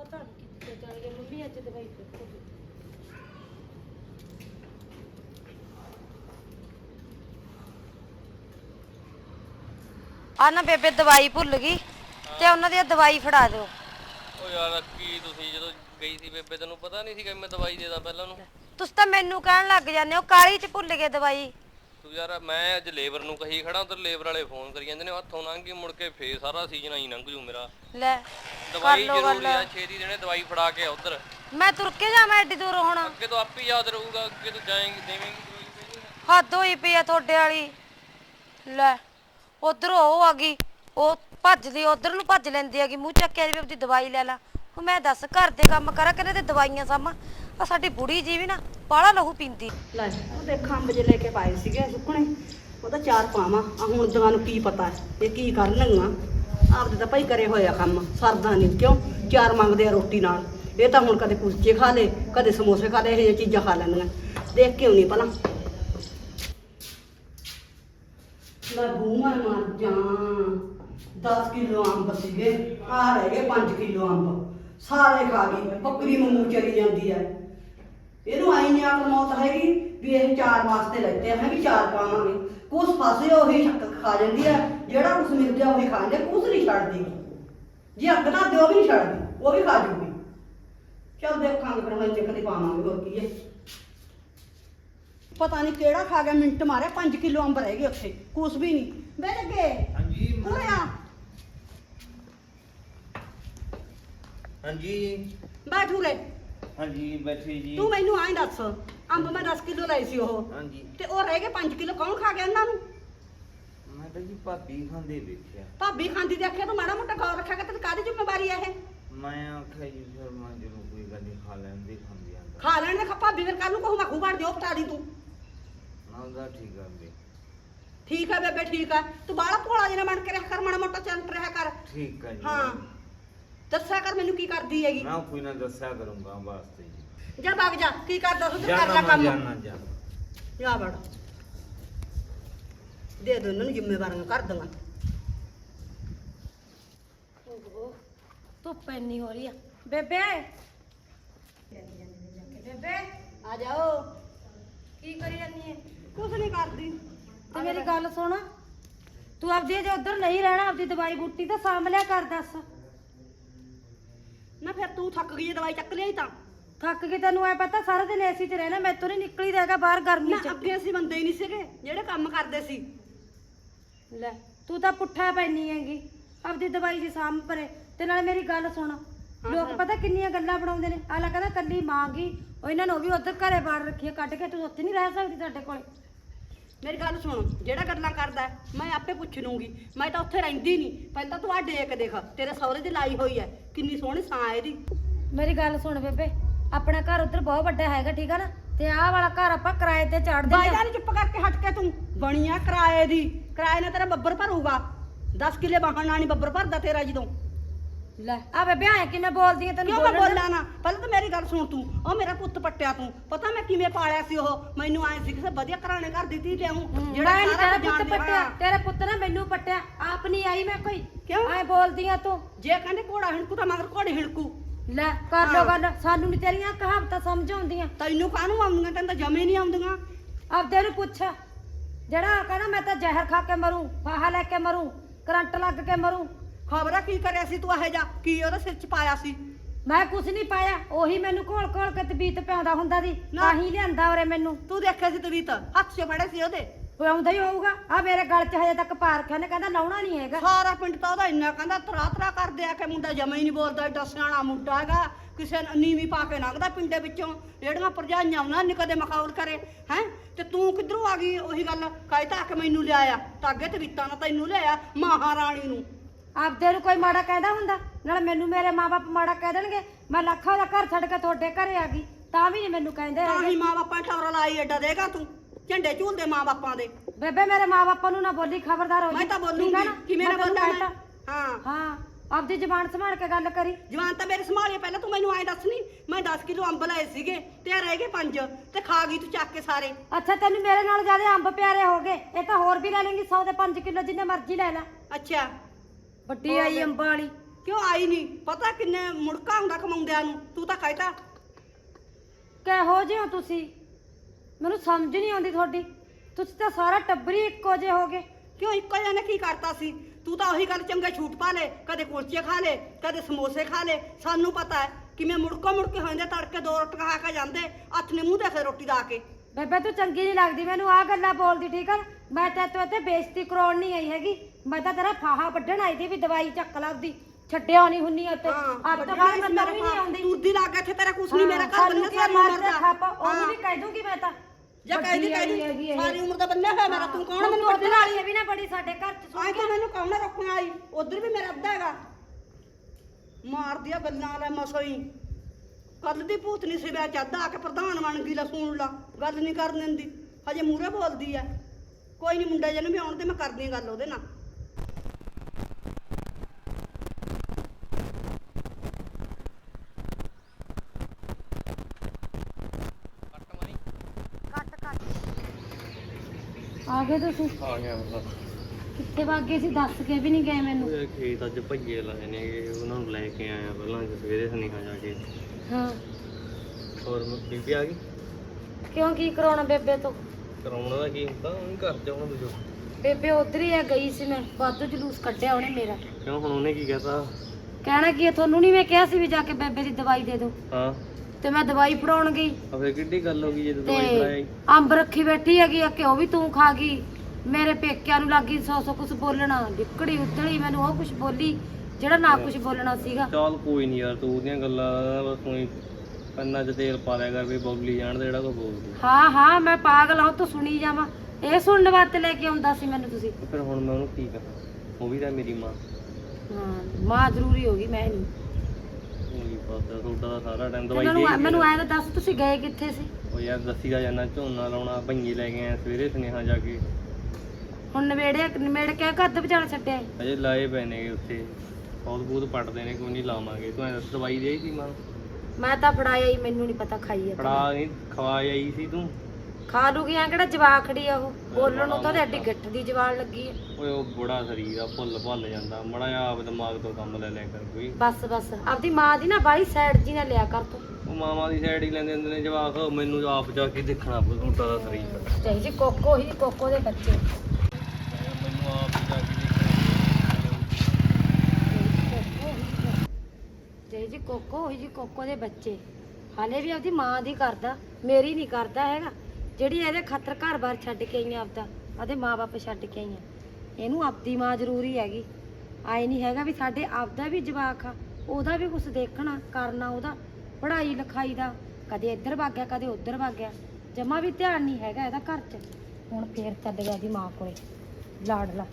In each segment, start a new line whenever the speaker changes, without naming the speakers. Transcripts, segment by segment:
ਪਤਾ ਨਹੀਂ ਕਿੱਥੇ ਚਲ ਗਏ ਮੰਮੀ ਅੱਜ ਦਵਾਈ ਦਿੱਤੀ। ਆ ਨਾ ਬੇਬੇ ਦਵਾਈ ਭੁੱਲ ਗਈ ਤੇ ਉਹਨਾਂ ਦੀ ਦਵਾਈ ਫੜਾ ਦਿਓ।
ਓ ਯਾਰ ਕੀ ਤੁਸੀਂ ਜਦੋਂ ਗਈ ਸੀ ਬੇਬੇ ਤੈਨੂੰ ਪਤਾ ਨਹੀਂ ਸੀਗਾ ਮੈਂ ਦਵਾਈ ਦੇਦਾ ਪਹਿਲਾਂ ਨੂੰ।
ਤੁਸੀਂ ਤਾਂ ਮੈਨੂੰ ਕਹਿਣ ਲੱਗ ਜਾਂਦੇ ਹੋ ਕਾਲੀ ਚ ਭੁੱਲ ਗਏ ਦਵਾਈ।
ਤੂੰ ਯਾਰ ਮੈਂ ਅੱਜ ਲੇਬਰ ਨੂੰ ਕਹੀ ਖੜਾ ਉਧਰ ਲੇਬਰ ਵਾਲੇ ਫੋਨ ਕਰੀ ਜਾਂਦੇ ਨੇ ਹੱਥੋਂ ਲੰਘ ਕੇ ਮੁੜ ਕੇ ਫੇਰ ਸਾਰਾ ਸੀਜ਼ਨ ਆਈ ਲੰਘ ਜੂ ਮੇਰਾ।
ਲੈ
ਦਵਾਈ ਜ਼ਰੂਰੀ ਆ ਛੇਤੀ ਦੇਣੇ ਦਵਾਈ ਫੜਾ ਕੇ ਉਧਰ।
ਮੈਂ ਤੁਰ ਕੇ ਜਾਵਾਂ ਐਡੀ ਦੂਰ ਹੁਣ?
ਅੱਗੇ ਤੋਂ ਆਪੇ ਯਾਦ ਰਹੂਗਾ ਅੱਗੇ ਤੋਂ ਜਾਏਂਗੀ ਦੇਵੇਂਗੀ।
ਹੱਦ ਹੋਈ ਪਈ ਆ ਤੁਹਾਡੇ ਵਾਲੀ। ਲੈ ਉਧਰੋਂ ਉਹ ਆ ਗਈ ਉਹ ਭੱਜਦੀ ਉਧਰ ਨੂੰ ਭੱਜ ਲੈਂਦੀ ਹੈਗੀ ਮੂੰਹ ਚੱਕਿਆ ਵੀ ਆਪਦੀ ਦਵਾਈ ਲੈ ਲਾ। ਉਹ ਮੈਂ ਦੱਸ ਘਰ ਦੇ ਕੰਮ ਕਰਾਂ ਕਹਿੰਦੇ ਤੇ ਦਵਾਈਆਂ ਸਾਂਭਾਂ। ਆ ਸਾਡੀ ਬੁੜੀ ਜੀ ਵੀ ਨਾ ਬਾਹਲਾ ਲਹੂ ਪੀਂਦੀ।
ਲੈ ਉਹ ਦੇਖਾਂ ਅੰਬ ਜੇ ਲੈ ਕੇ ਪਾਏ ਸੀਗੇ ਸੁੱਕਣੇ ਉਹਦਾ ਚਾਰ ਪਾਵਾਂ ਆ ਹੁਣ ਜਵਾਂ ਨੂੰ ਕੀ ਪਤਾ ਇਹ ਕੀ ਕਰਨਗੀਆਂ। ਆਪਦੇ ਤਾਂ ਭਾਈ ਕਰੇ ਹੋਇਆ ਕੰਮ ਸਰਦਾ ਨਹੀਂ ਕਿਉਂ ਚਾਰ ਮੰਗਦੇ ਆ ਰੋਟੀ ਨਾਲ। ਇਹ ਤਾਂ ਹੁਣ ਕਦੇ ਕੁਲਚੇ ਖਾ ਲੇ ਕਦੇ ਸਮੋਸੇ ਖਾ ਲੇ ਇਹ ਜਿਹੀਆਂ ਚੀਜ਼ਾਂ ਖਾ ਲੈਂਦੀਆਂ ਦੇਖ ਕਿਉਂ ਨਹੀਂ ਭਲਾ। ਮੈਂ ਬੂਮਾ ਮਾਰ ਜਾਂ 10 ਕਿਲੋ ਅੰਬ ਸੀਗੇ ਆ ਰਹਿ ਗਏ 5 ਕਿਲੋ ਅੰਬ ਸਾਰੇ ਖਾ ਗਈ ਬੱਕਰੀ ਨੂੰ ਮੂੰਹ ਚਲੀ ਜਾਂਦੀ ਹੈ। ਇਹਨੂੰ ਆਈ ਨਹੀਂ ਆਪ ਮੌਤ ਹੈਗੀ ਵੀ ਇਹ ਚਾਰ ਵਾਸਤੇ ਲੈਤੇ ਆ ਵੀ ਚਾਰ ਪਾਵਾਂਗੇ ਕੁਛ ਫਸੇ ਉਹੀ ਸ਼ੱਕ ਖਾ ਜਾਂਦੀ ਹੈ ਜਿਹੜਾ ਕੁਛ ਮਿਲ ਗਿਆ ਉਹੀ ਖਾ ਜਾਂਦੇ ਕੁਛ ਨਹੀਂ ਛੱਡਦੀ ਜੇ ਅੱਗ ਨਾ ਦਿਓ ਵੀ ਨਹੀਂ ਛੱਡਦੀ ਉਹ ਵੀ ਖਾ ਜੂਗੀ। ਚੱਲ ਦੇਖਾਂਗੇ ਫਿਰ ਹੁਣ ਚੱਕ ਦੀ ਪਾਵਾਂਗੇ ਹੋਰ ਕੀ ਹੈ। ਪਤਾ ਨਹੀਂ ਕਿਹੜਾ ਖਾ ਗਿਆ ਮਿੰਟ ਮਾਰਿਆ 5 ਕਿਲੋ ਅੰਬ ਰਹਿ ਗਏ ਉੱਥੇ ਕੁਛ ਵੀ ਨਹੀਂ ਬਹਿ ਲੱਗੇ।
ਹਾਂਜੀ
ਹੋਇਆ
ਹਾਂਜੀ
ਬੈਠੂ ਰੇ
ਹਾਂਜੀ ਬੈਠੀ ਜੀ।
ਤੂੰ ਮੈਨੂੰ ਆਏ ਦੱਸ ਅੰਬ ਮੈਂ 10 ਕਿਲੋ ਲਏ ਸੀ ਉਹ
ਹਾਂਜੀ
ਤੇ ਉਹ ਰਹਿ ਗਏ 5 ਕਿਲੋ ਕੌਣ ਖਾ ਗਿਆ ਉਹਨਾਂ ਨੂੰ?
ਮੈਂ ਤਾਂ ਜੀ ਭਾਬੀ ਖਾਂਦੇ ਵੇਖਿਆ।
ਭਾਬੀ ਖਾਂਦੀ ਦੇਖਿਆ ਤੂੰ ਮਾੜਾ ਮੋਟਾ ਗੌਰ ਰੱਖਿਆ ਕਰ ਤੇ ਕਾਹਦੀ ਜ਼ਿੰਮੇਵਾਰੀ ਹੈ ਇਹ?
ਮੈਂ ਆਖਿਆ ਜੀ ਫਿਰ ਮੈਂ ਜਦੋਂ ਕੋਈ ਗੱਲ ਨਹੀਂ ਖਾ ਲੈਂਦੇ ਖਾਂਦੇ ਆਂ
ਖਾ ਲੈਣ ਦੇ ਭਾਬੀ ਫਿਰ ਕੱਲ ਨੂੰ ਕਹੂ ਮੈਂ ਖੂ ਬਣ ਦਿਓ ਪਟਾ ਦੀ ਤੂੰ।
ਨਾ ਦਾ ਠੀਕ ਆ ਬੇ
ਠੀਕ ਹੈ ਬੇਬੇ ਠੀਕ ਆ ਤੂੰ ਬਾਹਲਾ ਭੋਲਾ ਜਿਹਾ ਬਣ ਕੇ ਰਿਹਾ ਕਰ ਮਾੜਾ ਮੋਟਾ ਚੱਲ ਰਿਹਾ ਕਰ।
ਠੀਕ ਆ ਜੀ।
ਹਾਂ ਦੱਸਿਆ ਕਰ ਮੈਨੂੰ ਕੀ ਕਰਦੀ ਹੈਗੀ।
ਮੈਂ ਕੋਈ ਨਾ ਦੱਸਿਆ ਕਰੂੰਗਾ ਵਾਸਤੇ ਜੀ।
ਜਾ ਵਗ ਜਾ ਕੀ ਕਰਦਾ ਤੂੰ ਕਰ
ਜਾਨਾ
ਲੈ
ਮੈਂ
ਕੰਮ
ਜਾਨਾ ਜਾ
ਜਾ ਵੜ ਦੇ ਦੋ ਇਹਨਾਂ ਨੂੰ ਜ਼ਿੰਮੇਵਾਰੀਆਂ ਕਰ ਦਵਾਂ।
ਓਹੋ ਧੁੱਪ ਇੰਨੀ ਹੋ ਰਹੀ ਆ। ਬੇਬੇ ਬੇਬੇ
ਆ ਜਾਓ
ਕੀ ਕਰੀ ਜਾਂਦੀ ਹੈ?
ਕੁਛ ਨਹੀਂ ਕਰਦੀ
ਤੇ ਮੇਰੀ ਗੱਲ ਸੁਣ ਤੂੰ ਆਪਦੀ ਜੇ ਉਧਰ ਨਹੀਂ ਰਹਿਣਾ ਆਪਦੀ ਦਵਾਈ ਬੂਟੀ ਤਾਂ ਸਾਂਭ ਲਿਆ ਕਰ। ਦੱਸ
ਨਾ ਫਿਰ ਤੂੰ ਥੱਕ ਗਈ ਜੇ ਦਵਾਈ ਚੱਕ ਲਿਆਈ ਤਾਂ।
ਥੱਕ ਕੇ ਤੈਨੂੰ ਐ ਪਤਾ ਸਾਰਾ ਦਿਨ ਏਸੀ 'ਚ ਰਹਿਣਾ ਮੈਥੋਂ ਨਹੀਂ ਨਿਕਲੀਦਾ ਹੈਗਾ ਬਾਹਰ ਗਰਮੀ
ਨਾ
'ਚ।
ਅੱਗੇ ਅਸੀਂ ਬੰਦੇ ਹੀ ਨਹੀਂ ਸੀਗੇ ਜਿਹੜੇ ਕੰਮ ਕਰਦੇ ਸੀ।
ਲੈ ਤੂੰ ਤਾਂ ਪੁੱਠਾ ਪੈਣੀ ਹੈਗੀ ਆਪਦੀ ਦਵਾਈ ਦੀ ਸਾਂਭ ਪਰੇ। ਤੇ ਨਾਲ ਮੇਰੀ ਗੱਲ ਸੁਣ ਲੋਕ ਪਤਾ ਕਿੰਨੀਆਂ ਗੱਲਾਂ ਬਣਾਉਂਦੇ ਨੇ। ਆਲਾ ਕਹਿੰਦਾ ਕੱਲੀ ਮਾਂ ਗਈ ਉਹ ਇਹਨਾਂ ਨੂੰ ਵੀ ਉਧਰ ਘਰੇ ਬਾੜ ਰੱਖੀ ਕੱਢ ਕੇ ਤੂੰ ਉੱਥੇ ਨਹੀਂ ਰਹਿ ਸਕਦੀ ਸਾਡੇ ਕੋਲ।
ਮੇਰੀ ਗੱਲ ਸੁਣ ਜਿਹੜਾ ਗੱਲਾਂ ਕਰਦਾ ਮੈਂ ਆਪੇ ਪੁੱਛ ਲੂੰਗੀ ਮੈਂ ਤਾਂ ਉੱਥੇ ਰਹਿੰਦੀ ਨਹੀਂ। ਪਹਿਲਾਂ ਤੂੰ ਆ ਡੇਕ ਦੇਖ ਤੇਰੇ ਸਹੁਰੇ ਦੀ ਲਾਈ ਹੋਈ ਹੈ ਕਿੰਨੀ ਸੋਹਣੀ ਛਾਂ ਇਹਦੀ।
ਮੇਰੀ ਗੱਲ ਸੁਣ ਬੇਬੇ ਆਪਣਾ ਘਰ ਉਧਰ ਬਹੁਤ ਵੱਡਾ ਹੈਗਾ ਠੀਕ ਆ ਨਾ ਤੇ ਆਹ ਵਾਲਾ ਘਰ ਆਪਾਂ ਕਿਰਾਏ ਤੇ ਚਾੜ ਦਿੰਦੇ
ਬਾਈਦਾ ਨੀ ਚੁੱਪ ਕਰਕੇ ਹਟ ਕੇ ਤੂੰ ਬਣੀਆਂ ਕਿਰਾਏ ਦੀ ਕਿਰਾਏ ਨਾਲ ਤੇਰਾ ਬੱਬਰ ਭਰੂਗਾ 10 ਕਿੱਲੇ ਬਾਹਣ ਨਾਲ ਨਹੀਂ ਬੱਬਰ ਭਰਦਾ ਤੇਰਾ ਜਦੋਂ।
ਲੈ ਆ ਬੇਬੇ ਐ ਕਿਵੇਂ ਬੋਲਦੀ ਐ ਤੈਨੂੰ
ਕਿਉਂ ਮੈਂ
ਬੋਲਣ
ਬੋਲਾਂ ਨਾ ਪਹਿਲਾਂ ਤਾਂ ਮੇਰੀ ਗੱਲ ਸੁਣ ਤੂੰ ਉਹ ਮੇਰਾ ਪੁੱਤ ਪੱਟਿਆ ਤੂੰ ਪਤਾ ਮੈਂ ਕਿਵੇਂ ਪਾਲਿਆ ਸੀ ਉਹ ਮੈਨੂੰ ਆਏ ਸੀ ਕਿਸੇ ਵਧੀਆ ਘਰਾਣੇ ਘਰ ਦਿੱਤੀ ਤੇ ਹੂੰ
ਜਿਹੜਾ ਤੇਰਾ
ਕੁਝ
ਪੁੱਤ
ਜਾਣਦੇ
ਪੱਟਿਆ
ਹਾਂ।
ਤੇਰੇ ਪੁੱਤ ਨੇ ਮੈਨੂੰ ਪੱਟਿਆ ਆਪ ਨਹੀਂ ਆਈ ਮੈਂ ਕੋਈ
ਕਿਉਂ?
ਐ ਬੋਲਦੀ ਆ ਤੂੰ।
ਜੇ ਕਹਿੰਦੇ ਘੋੜਾ ਹਿਣਕੂ ਤਾਂ ਮਗਰ ਘੋੜੇ ਹਿਣਕੂ।
ਲੈ ਕਰ ਲੋ ਗੱਲ ਸਾਨੂੰ ਨਹੀਂ ਤੇਰੀਆਂ ਕਹਾਵਤਾਂ ਸਮਝ ਆਉਂਦੀਆਂ।
ਤੈਨੂੰ ਕਾਹਨੂੰ ਆਉਂਦੀਆਂ ਤੈਨੂੰ ਤਾਂ ਜਮੇ ਨਹੀਂ ਆਉਂਦੀਆਂ।
ਆਪਦੇ ਨੂੰ ਪੁੱਛ ਜਿਹੜਾ ਕਹਿੰਦਾ ਮੈਂ ਤਾਂ ਜ਼ਹਿਰ ਖਾ ਕੇ ਮਰੂੰ ਫਾਹਾ ਲੈ ਕੇ ਮਰੂੰ ਕਰੰਟ ਲੱਗ ਕੇ ਮਰੂੰ।
ਖਬਰਾਂ ਕੀ ਕਰਿਆ ਸੀ ਤੂੰ ਇਹ ਜਾ ਕੀ ਉਹਦੇ ਸਿਰ 'ਚ ਪਾਇਆ ਸੀ?
ਮੈਂ ਕੁਛ ਨਹੀਂ ਪਾਇਆ ਉਹੀ ਮੈਨੂੰ ਘੋਲ ਘੋਲ ਕੇ ਤਬੀਤ ਪਿਆਉਂਦਾ ਹੁੰਦਾ ਸੀ
ਨਾ।
ਤਾਂ ਹੀ ਲਿਆਂਦਾ ਉਰੇ ਮੈਨੂੰ।
ਤੂੰ ਦੇਖਿਆ ਸੀ ਤਵੀਤ ਹੱਥ 'ਚ ਫੜੇ ਸੀ ਉਹਦੇ।
ਪਿਆਉਂਦਾ ਹੀ ਹੋਊਗਾ ਆ ਮੇਰੇ ਗਲ 'ਚ ਹਜੇ ਤੱਕ ਪਾ ਰੱਖਿਆ ਨੇ ਕਹਿੰਦਾ ਲਾਉਣਾ ਨਹੀਂ ਹੈਗਾ।
ਸਾਰਾ ਪਿੰਡ ਤਾਂ ਉਹਦਾ ਇੰਨਾ ਕਹਿੰਦਾ ਤਰਾ ਤਰਾ ਕਰਦੇ ਆ ਕਿ ਮੁੰਡਾ ਜਮਾ ਹੀ ਨਹੀਂ ਬੋਲਦਾ ਏਡਾ ਸਿਆਣਾ ਮੁੰਡਾ ਹੈਗਾ ਕਿਸੇ ਨੀਵੀਂ ਪਾ ਕੇ ਲੰਘਦਾ ਪਿੰਡੇ ਵਿੱਚੋਂ ਜਿਹੜੀਆਂ ਭਰਜਾਈਆਂ ਉਹਨਾਂ ਨੇ ਕਦੇ ਮਖੌਲ ਕਰੇ ਹੈ ਤੇ ਤੂੰ ਕਿੱਧਰੋਂ ਆ ਗਈ? ਉਹੀ ਗੱਲ ਕਹਿਤਾ ਕਿ ਮੈਨੂੰ ਲਿਆਇਆ ਤਾਂ ਅੱਗੇ ਤਵੀਤਾਂ ਨਾਲ ਤੈਨੂੰ ਲਿਆਇਆ ਮਹਾਰਾਣੀ ਨੂੰ।
ਆਪਦੇ ਨੂੰ ਕੋਈ ਮਾੜਾ ਕਹਿੰਦਾ ਹੁੰਦਾ ਨਾਲ ਮੈਨੂੰ ਮੇਰੇ ਮਾਪੇ ਮਾੜਾ ਕਹਿ ਦੇਣਗੇ। ਮੈਂ ਲੱਖਾਂ ਦਾ ਘਰ ਛੱਡ ਕੇ ਤੁਹਾਡੇ ਘਰੇ ਆ ਗਈ ਤਾਂ ਵੀ ਨਹੀਂ ਮੈਨੂੰ ਕਹਿੰਦੇ
ਤਾਂ
ਹੈਗੇ।
ਹੀ ਮਾਂ ਬਾਪਾਂ ਠੌਰਾ ਲਾਈ ਏਡਾ ਦੇਗਾ ਤੂੰ ਝੰਡੇ ਝੂਲਦੇ ਮਾਂ ਬਾਪਾਂ ਦੇ।
ਬੇਬੇ ਮੇਰੇ ਮਾਪੇ ਨੂੰ ਨਾ ਬੋਲੀ ਖਬਰਦਾਰ ਹੋ ਜੀ।
ਮੈਂ ਤਾਂ
ਠੀਕ ਆ
ਬੋਲੂੰਗੀ
ਨਾ?
ਕਿਵੇਂ ਨਾ
ਮੈਂ ਤੈਨੂੰ
ਬੋਲਾਂ ਮੈਂ।
ਕਹਿਤਾ।
ਹਾਂ
ਹਾਂ ਆਪਦੀ ਜ਼ਬਾਨ ਸੰਭਾਲ ਕੇ ਗੱਲ ਕਰੀ।
ਜਵਾਨ ਤਾਂ ਮੇਰੇ ਸੰਭਾਲਿਆ ਪਹਿਲਾਂ ਤੂੰ ਮੈਨੂੰ ਐਂ ਦੱਸ ਨੀ ਮੈਂ 10 ਕਿਲੋ ਅੰਬ ਲਏ ਸੀਗੇ ਤੇ ਰਹਿ ਗਏ 5 ਤੇ ਖਾ ਗਈ ਤੂੰ ਚੱਕ ਕੇ ਸਾਰੇ।
ਅੱਛਾ ਤੈਨੂੰ ਮੇਰੇ ਨਾਲ ਜ਼ਿਆਦਾ ਅੰਬ ਪਿਆਰੇ ਹੋ ਗਏ ਇਹ ਤਾਂ ਹੋਰ ਵੀ ਲੈ ਲੇਂਗੀ 100 ਦੇ 5 ਕਿਲੋ ਜਿੰਨੇ ਮਰਜ਼ੀ ਲੈ ਲੈ।
ਅੱਛਾ
ਵੱਡੀ ਆਈ ਅੰਬਾਂ ਵਾਲੀ
ਕਿਉਂ ਆਈ ਨਹੀਂ? ਪਤਾ ਕਿੰਨੇ ਮੁੜਕਾ ਹੁੰਦਾ ਕਮਾਉਂਦਿਆਂ ਨੂੰ, ਤੂੰ ਤਾਂ ਕਹਿਤਾ।
ਕਿਹੋ ਜਿਹੇ ਹੋ ਤੁਸੀਂ? ਮੈਨੂੰ ਸਮਝ ਨਹੀਂ ਆਉਂਦੀ ਤੁਹਾਡੀ। ਤੁਸੀਂ ਤਾਂ ਸਾਰਾ ਟੱਬਰ ਹੀ ਇੱਕੋ ਜਿਹੇ ਹੋ ਗਏ।
ਕਿਉਂ ਇੱਕੋ ਜਿਹੇ ਨੇ ਕੀ ਕਰਤਾ ਸੀ? ਤੂੰ ਤਾਂ ਉਹੀ ਗੱਲ ਚੰਗੇ ਛੂਟ ਪਾ ਲੈ, ਕਦੇ ਕੁਲਚੇ ਖਾ ਲੈ, ਕਦੇ ਸਮੋਸੇ ਖਾ ਲੈ। ਸਾਨੂੰ ਪਤਾ ਹੈ ਕਿਵੇਂ ਮੁੜਕੇ ਹੋਂਦੇ, ਤੜਕੇ 2 ਰੋਟੀਆਂ ਖਾ ਕੇ ਜਾਂਦੇ, ਹੱਥ ਨੇ ਮੂੰਹ ਦੇਖੇ ਰੋਟੀ ਦਾ ਕੇ।
ਬੇਬੇ ਤੂੰ ਚੰਗੀ ਨਹੀਂ ਲੱਗਦੀ ਮੈਨੂੰ, ਆਹ ਗੱਲਾਂ ਬੋਲਦੀ, ਠੀਕ ਆ? ਮੈਂ ਤਾਂ ਤੂੰ ਇੱਥੇ ਬੇਇੱਜ਼ਤੀ ਕਰਾਉਣ ਨਹੀਂ ਆਈ ਹੈਗੀ। ਮੈਂ ਤਾਂ ਤੇਰਾ ਫਾਹਾ ਵੱਢਣ ਆਈ ਸੀ ਵੀ ਦਵਾਈ ਚੱਕ ਲਾ ਉਹਦੀ। ਛੱਡਿਆ ਨਹੀਂ ਹੁੰਨੀ ਉੱਤੇ। ਅੱਜ ਤੋਂ ਬਾਅਦ ਮੈਂ ਤਾਂ ਵੀ ਨਹੀਂ ਆਉਂਦੀ।
ਤੂੰ ਦੀ ਲੱਗ ਇੱਥੇ ਤੇਰਾ ਕੁਛ ਨਹੀਂ, ਮੇਰਾ ਘਰ ਬੰਨਿਆ ਸਾਰੀ ਉਮਰ ਦਾ।
ਉਹਨੂੰ ਵੀ ਕਹਿ ਦੂੰਗੀ ਮੈਂ ਤਾਂ।
ਜਾਂ ਕਹਿ ਦੀ ਸਾਰੀ ਉਮਰ ਦਾ ਬੰਨਿਆ ਹੋਇਆ ਮੇਰਾ। ਤੂੰ ਕੌਣ ਹੈ ਮੈਨੂੰ
ਉਹਦੇ ਨਾਲ ਹੀ ਵੀ ਨਾ ਬੜੀ ਸਾਡੇ ਘਰ ਚ।
ਆਏ ਤਾਂ ਮੈਨੂੰ ਕੌਣ ਰੱਖਣ ਆਈ? ਉਧਰ ਵੀ ਮੇਰਾ ਅੱਧਾ ਹੈਗਾ। ਮਾਰਦੀ ਆ ਗੱਲਾਂ ਵਾਲਾ ਮਸੋਈ। ਕੱਲ ਦੀ ਭੂਤਨੀ ਸੀ ਵਿਆਹ ਚੱਦਾ ਆ ਕੇ ਪ੍ਰਧਾਨ ਬਣ ਗਈ। ਲੈ ਸੁਣ ਲਾ, ਗੱਲ ਨਹੀਂ ਕਰਨ ਦਿੰਦੀ, ਹਜੇ ਮੂਹਰੇ ਬੋਲਦੀ ਐ। ਕੋਈ ਨਹੀਂ, ਮੁੰਡੇ ਜਿਹਨੂੰ ਵੀ ਆਉਣ ਤੇ ਮੈਂ ਕਰਦੀ ਗੱਲ ਉਹਦੇ ਨਾਲ।
ਆ ਗਏ ਤੁਸੀਂ?
ਆ ਗਿਆ ਬਸ।
ਕਿੱਥੇ ਵਗ ਗਏ ਸੀ? ਦੱਸ ਕੇ ਵੀ ਨਹੀਂ ਗਏ ਮੈਨੂੰ।
ਉਹ ਖੇਤ ਅੱਜ ਭਈਏ ਲਾਏ ਨੇ, ਉਹਨਾਂ ਨੂੰ ਲੈ ਕੇ ਆਇਆ ਪਹਿਲਾਂ ਸਵੇਰੇ ਸੁਨੇਹਾ ਜਾ ਕੇ।
ਹਾਂ।
ਹੋਰ ਬੀਬੀ ਆ ਗਈ?
ਕਿਉਂ, ਕੀ ਕਰਾਉਣਾ ਬੇਬੇ ਤੋਂ?
ਕਰਾਉਣਾ ਦਾ ਕੀ ਹੁੰਦਾ, ਉਹਨੂੰ ਘਰ ਚ ਆਉਣਾ ਦੂਜੋ।
ਬੇਬੇ ਉਧਰ ਹੀ ਆ ਗਈ ਸੀ ਮੈਂ, ਵਾਧੂ ਜਲੂਸ ਕੱਢਿਆ ਉਹਨੇ ਮੇਰਾ।
ਕਿਉਂ ਹੁਣ ਉਹਨੇ ਕੀ ਕਹਿਤਾ?
ਕਹਿਣਾ ਕੀ ਹੈ, ਤੁਹਾਨੂੰ ਨਹੀਂ ਮੈਂ ਕਿਹਾ ਸੀ ਵੀ ਜਾ ਕੇ ਬੇਬੇ ਦੀ ਦਵਾਈ ਦੇ ਦਿਓ?
ਹਾਂ
ਤੇ ਮੈਂ ਦਵਾਈ ਫੜਾਉਣ ਗਈ
ਆ ਫੇਰ ਕਿੱਡੀ ਗੱਲ ਹੋ ਗਈ ਜੇ ਤੂੰ ਦਵਾਈ
ਤੇ
ਫੜਾਈ?
ਅੰਬ ਰੱਖੀ ਬੈਠੀ ਹੈਗੀ ਆ ਕਿ ਉਹ ਵੀ ਤੂੰ ਖਾ ਗਈ। ਮੇਰੇ ਪੇਕਿਆਂ ਨੂੰ ਲੱਗੀ 100 ਕੁਛ ਬੋਲਣਾ, ਡਿੱਕੜੀ ਉੱਤਲੀ ਮੈਨੂੰ ਉਹ ਕੁਛ ਬੋਲੀ ਜਿਹੜਾ ਨਾ ਕੁਛ ਬੋਲਣਾ ਸੀਗਾ।
ਚੱਲ ਕੋਈ ਨਹੀਂ ਯਾਰ, ਤੂੰ ਉਹਦੀਆਂ ਗੱਲਾਂ ਬਸ ਤੂੰ ਕੰਨਾਂ 'ਚ ਤੇਲ ਪਾ ਲਿਆ ਕਰ ਵੀ ਬੋਲੀ ਜਾਣ ਦੇ ਜਿਹੜਾ ਕੋ ਬੋਲਦੀ।
ਹਾਂ ਹਾਂ, ਮੈਂ ਪਾਗਲ ਹਾਂ ਤੂੰ ਸੁਣੀ ਜਾਵਾਂ। ਇਹ ਸੁਣਨ ਵਾਸਤੇ ਲੈ ਕੇ ਆਉਂਦਾ ਸੀ ਮੈਨੂੰ ਤੁਸੀਂ?
ਫਿਰ ਹੁਣ ਮੈਂ ਉਹਨੂੰ ਕੀ ਕਰਾਂ, ਉਹ ਵੀ ਤਾਂ ਮੇਰੀ ਮਾਂ।
ਹਾਂ, ਮਾਂ ਜ਼ਰੂਰੀ ਹੋ ਗਈ, ਮੈਂ ਨਹੀਂ।
ਉਹੀ ਪਤਾ ਤੁਹਾਡਾ ਤਾਂ ਸਾਰਾ ਟਾਈਮ ਦਵਾਈ
ਮੈਨੂੰ ਐਂ ਤਾਂ ਦੱਸ ਤੁਸੀਂ ਗਏ ਕਿੱਥੇ ਸੀ?
ਉਹ ਯਾਰ ਦੱਸੀ ਦਾ ਜਾਂਦਾ, ਝੋਨਾ ਲਾਉਣਾ, ਭਈਏ ਲੈ ਕੇ ਆਇਆ ਸਵੇਰੇ ਸੁਨੇਹਾ ਜਾ ਕੇ।
ਹੁਣ ਨਿਬੇੜ ਕੇ ਘਰ ਦੇ ਵਿਚਾਲੇ ਛੱਡਿਆ?
ਅਜੇ ਲਾਏ ਪਏ ਨੇ ਉੱਥੇ, ਬਹੁਤ ਪੱਟਦੇ ਨੇ, ਕੋਈ ਨਹੀਂ ਲਾਵਾਂਗੇ। ਤੂੰ ਐਂ ਦੱਸ ਦਵਾਈ ਦੇ ਆਈ ਸੀ ਮਾਂ?
ਮੈਂ ਤਾਂ ਫੜਾਇਆ ਹੀ, ਮੈਨੂੰ ਨਹੀਂ ਪਤਾ ਖਾਈ ਆ।
ਫੜਾ ਨਹੀਂ ਖਵਾ ਆਈ ਸੀ ਤੂੰ?
ਖਾ ਲੂਗੀ ਐ ਕਿਹੜਾ ਜਵਾਖੜੀ ਆ ਉਹ, ਬੋਲਣ ਨੂੰ ਤਾਂ ਐਡੀ ਗਿੱਠ ਦੀ ਜਵਾਨ ਲੱਗੀ ਆ।
ਓਏ ਉਹ ਬੜਾ ਸਰੀਰ ਆ, ਭੁੱਲ ਜਾਂਦਾ ਮੜਾ ਜਿਹਾ, ਆਪ ਦਿਮਾਗ ਤੋਂ ਕੰਮ ਲੈ ਲਿਆ ਕਰ ਕੋਈ।
ਬਸ ਆਪਦੀ ਮਾਂ ਦੀ ਨਾ ਬਾਈ ਸਾਈਡ ਜੀ ਨਾ ਲਿਆ ਕਰ ਤੂੰ।
ਉਹ ਮਾਵਾਂ ਦੀ ਸਾਈਡ ਹੀ ਲੈਂਦੇ ਹੁੰਦੇ ਨੇ ਜਵਾਕ, ਮੈਨੂੰ ਆਪ ਜਾ ਕੇ ਦੇਖਣਾ ਪਊ ਤੁਹਾਡਾ ਦਾ ਸਰੀਰ।
ਚਾਹੀ ਜੀ ਕੋਕੋ ਹੀ ਕੋਕੋ ਦੇ ਬੱਚੇ।
ਮੈਨੂੰ ਆਪ ਜਾ ਕੇ
ਚਾਹੀ ਜੀ ਕੋਕੋ ਹੀ ਜੀ ਕੋਕੋ ਦੇ ਬੱਚੇ। ਹਾਲੇ ਵੀ ਆਪਦੀ ਮਾਂ ਦੀ ਕਰਦਾ, ਮੇਰੀ ਨਹੀਂ ਕਰਦਾ ਹੈਗਾ। ਜਿਹੜੀ ਇਹਦੇ ਖਾਤਰ ਘਰ-ਬਾਰ ਛੱਡ ਕੇ ਆਈਆਂ, ਆਪਦੇ ਮਾਂ-ਬਾਪ ਛੱਡ ਕੇ ਆਈਆਂ। ਇਹਨੂੰ ਆਪਦੀ ਮਾਂ ਜ਼ਰੂਰੀ ਹੈਗੀ। ਆਏ ਨਹੀਂ ਹੈਗਾ ਵੀ ਸਾਡੇ ਆਪਦਾ ਵੀ ਜਵਾਕ ਆ, ਉਹਦਾ ਵੀ ਕੁਝ ਦੇਖਣਾ ਕਰਨਾ, ਉਹਦਾ ਪੜ੍ਹਾਈ ਲਿਖਾਈ ਦਾ। ਕਦੇ ਇੱਧਰ ਵਗ ਗਿਆ, ਕਦੇ ਉੱਧਰ ਵਗ ਗਿਆ, ਜਮਾ ਵੀ ਧਿਆਨ ਨਹੀਂ ਹੈਗਾ ਇਹਦਾ ਘਰ 'ਚ। ਹੁਣ ਫੇਰ ਚੱਲ ਗਿਆ ਦੀ ਮਾਂ ਕੋਲੇ ਲਾਡਲਾ।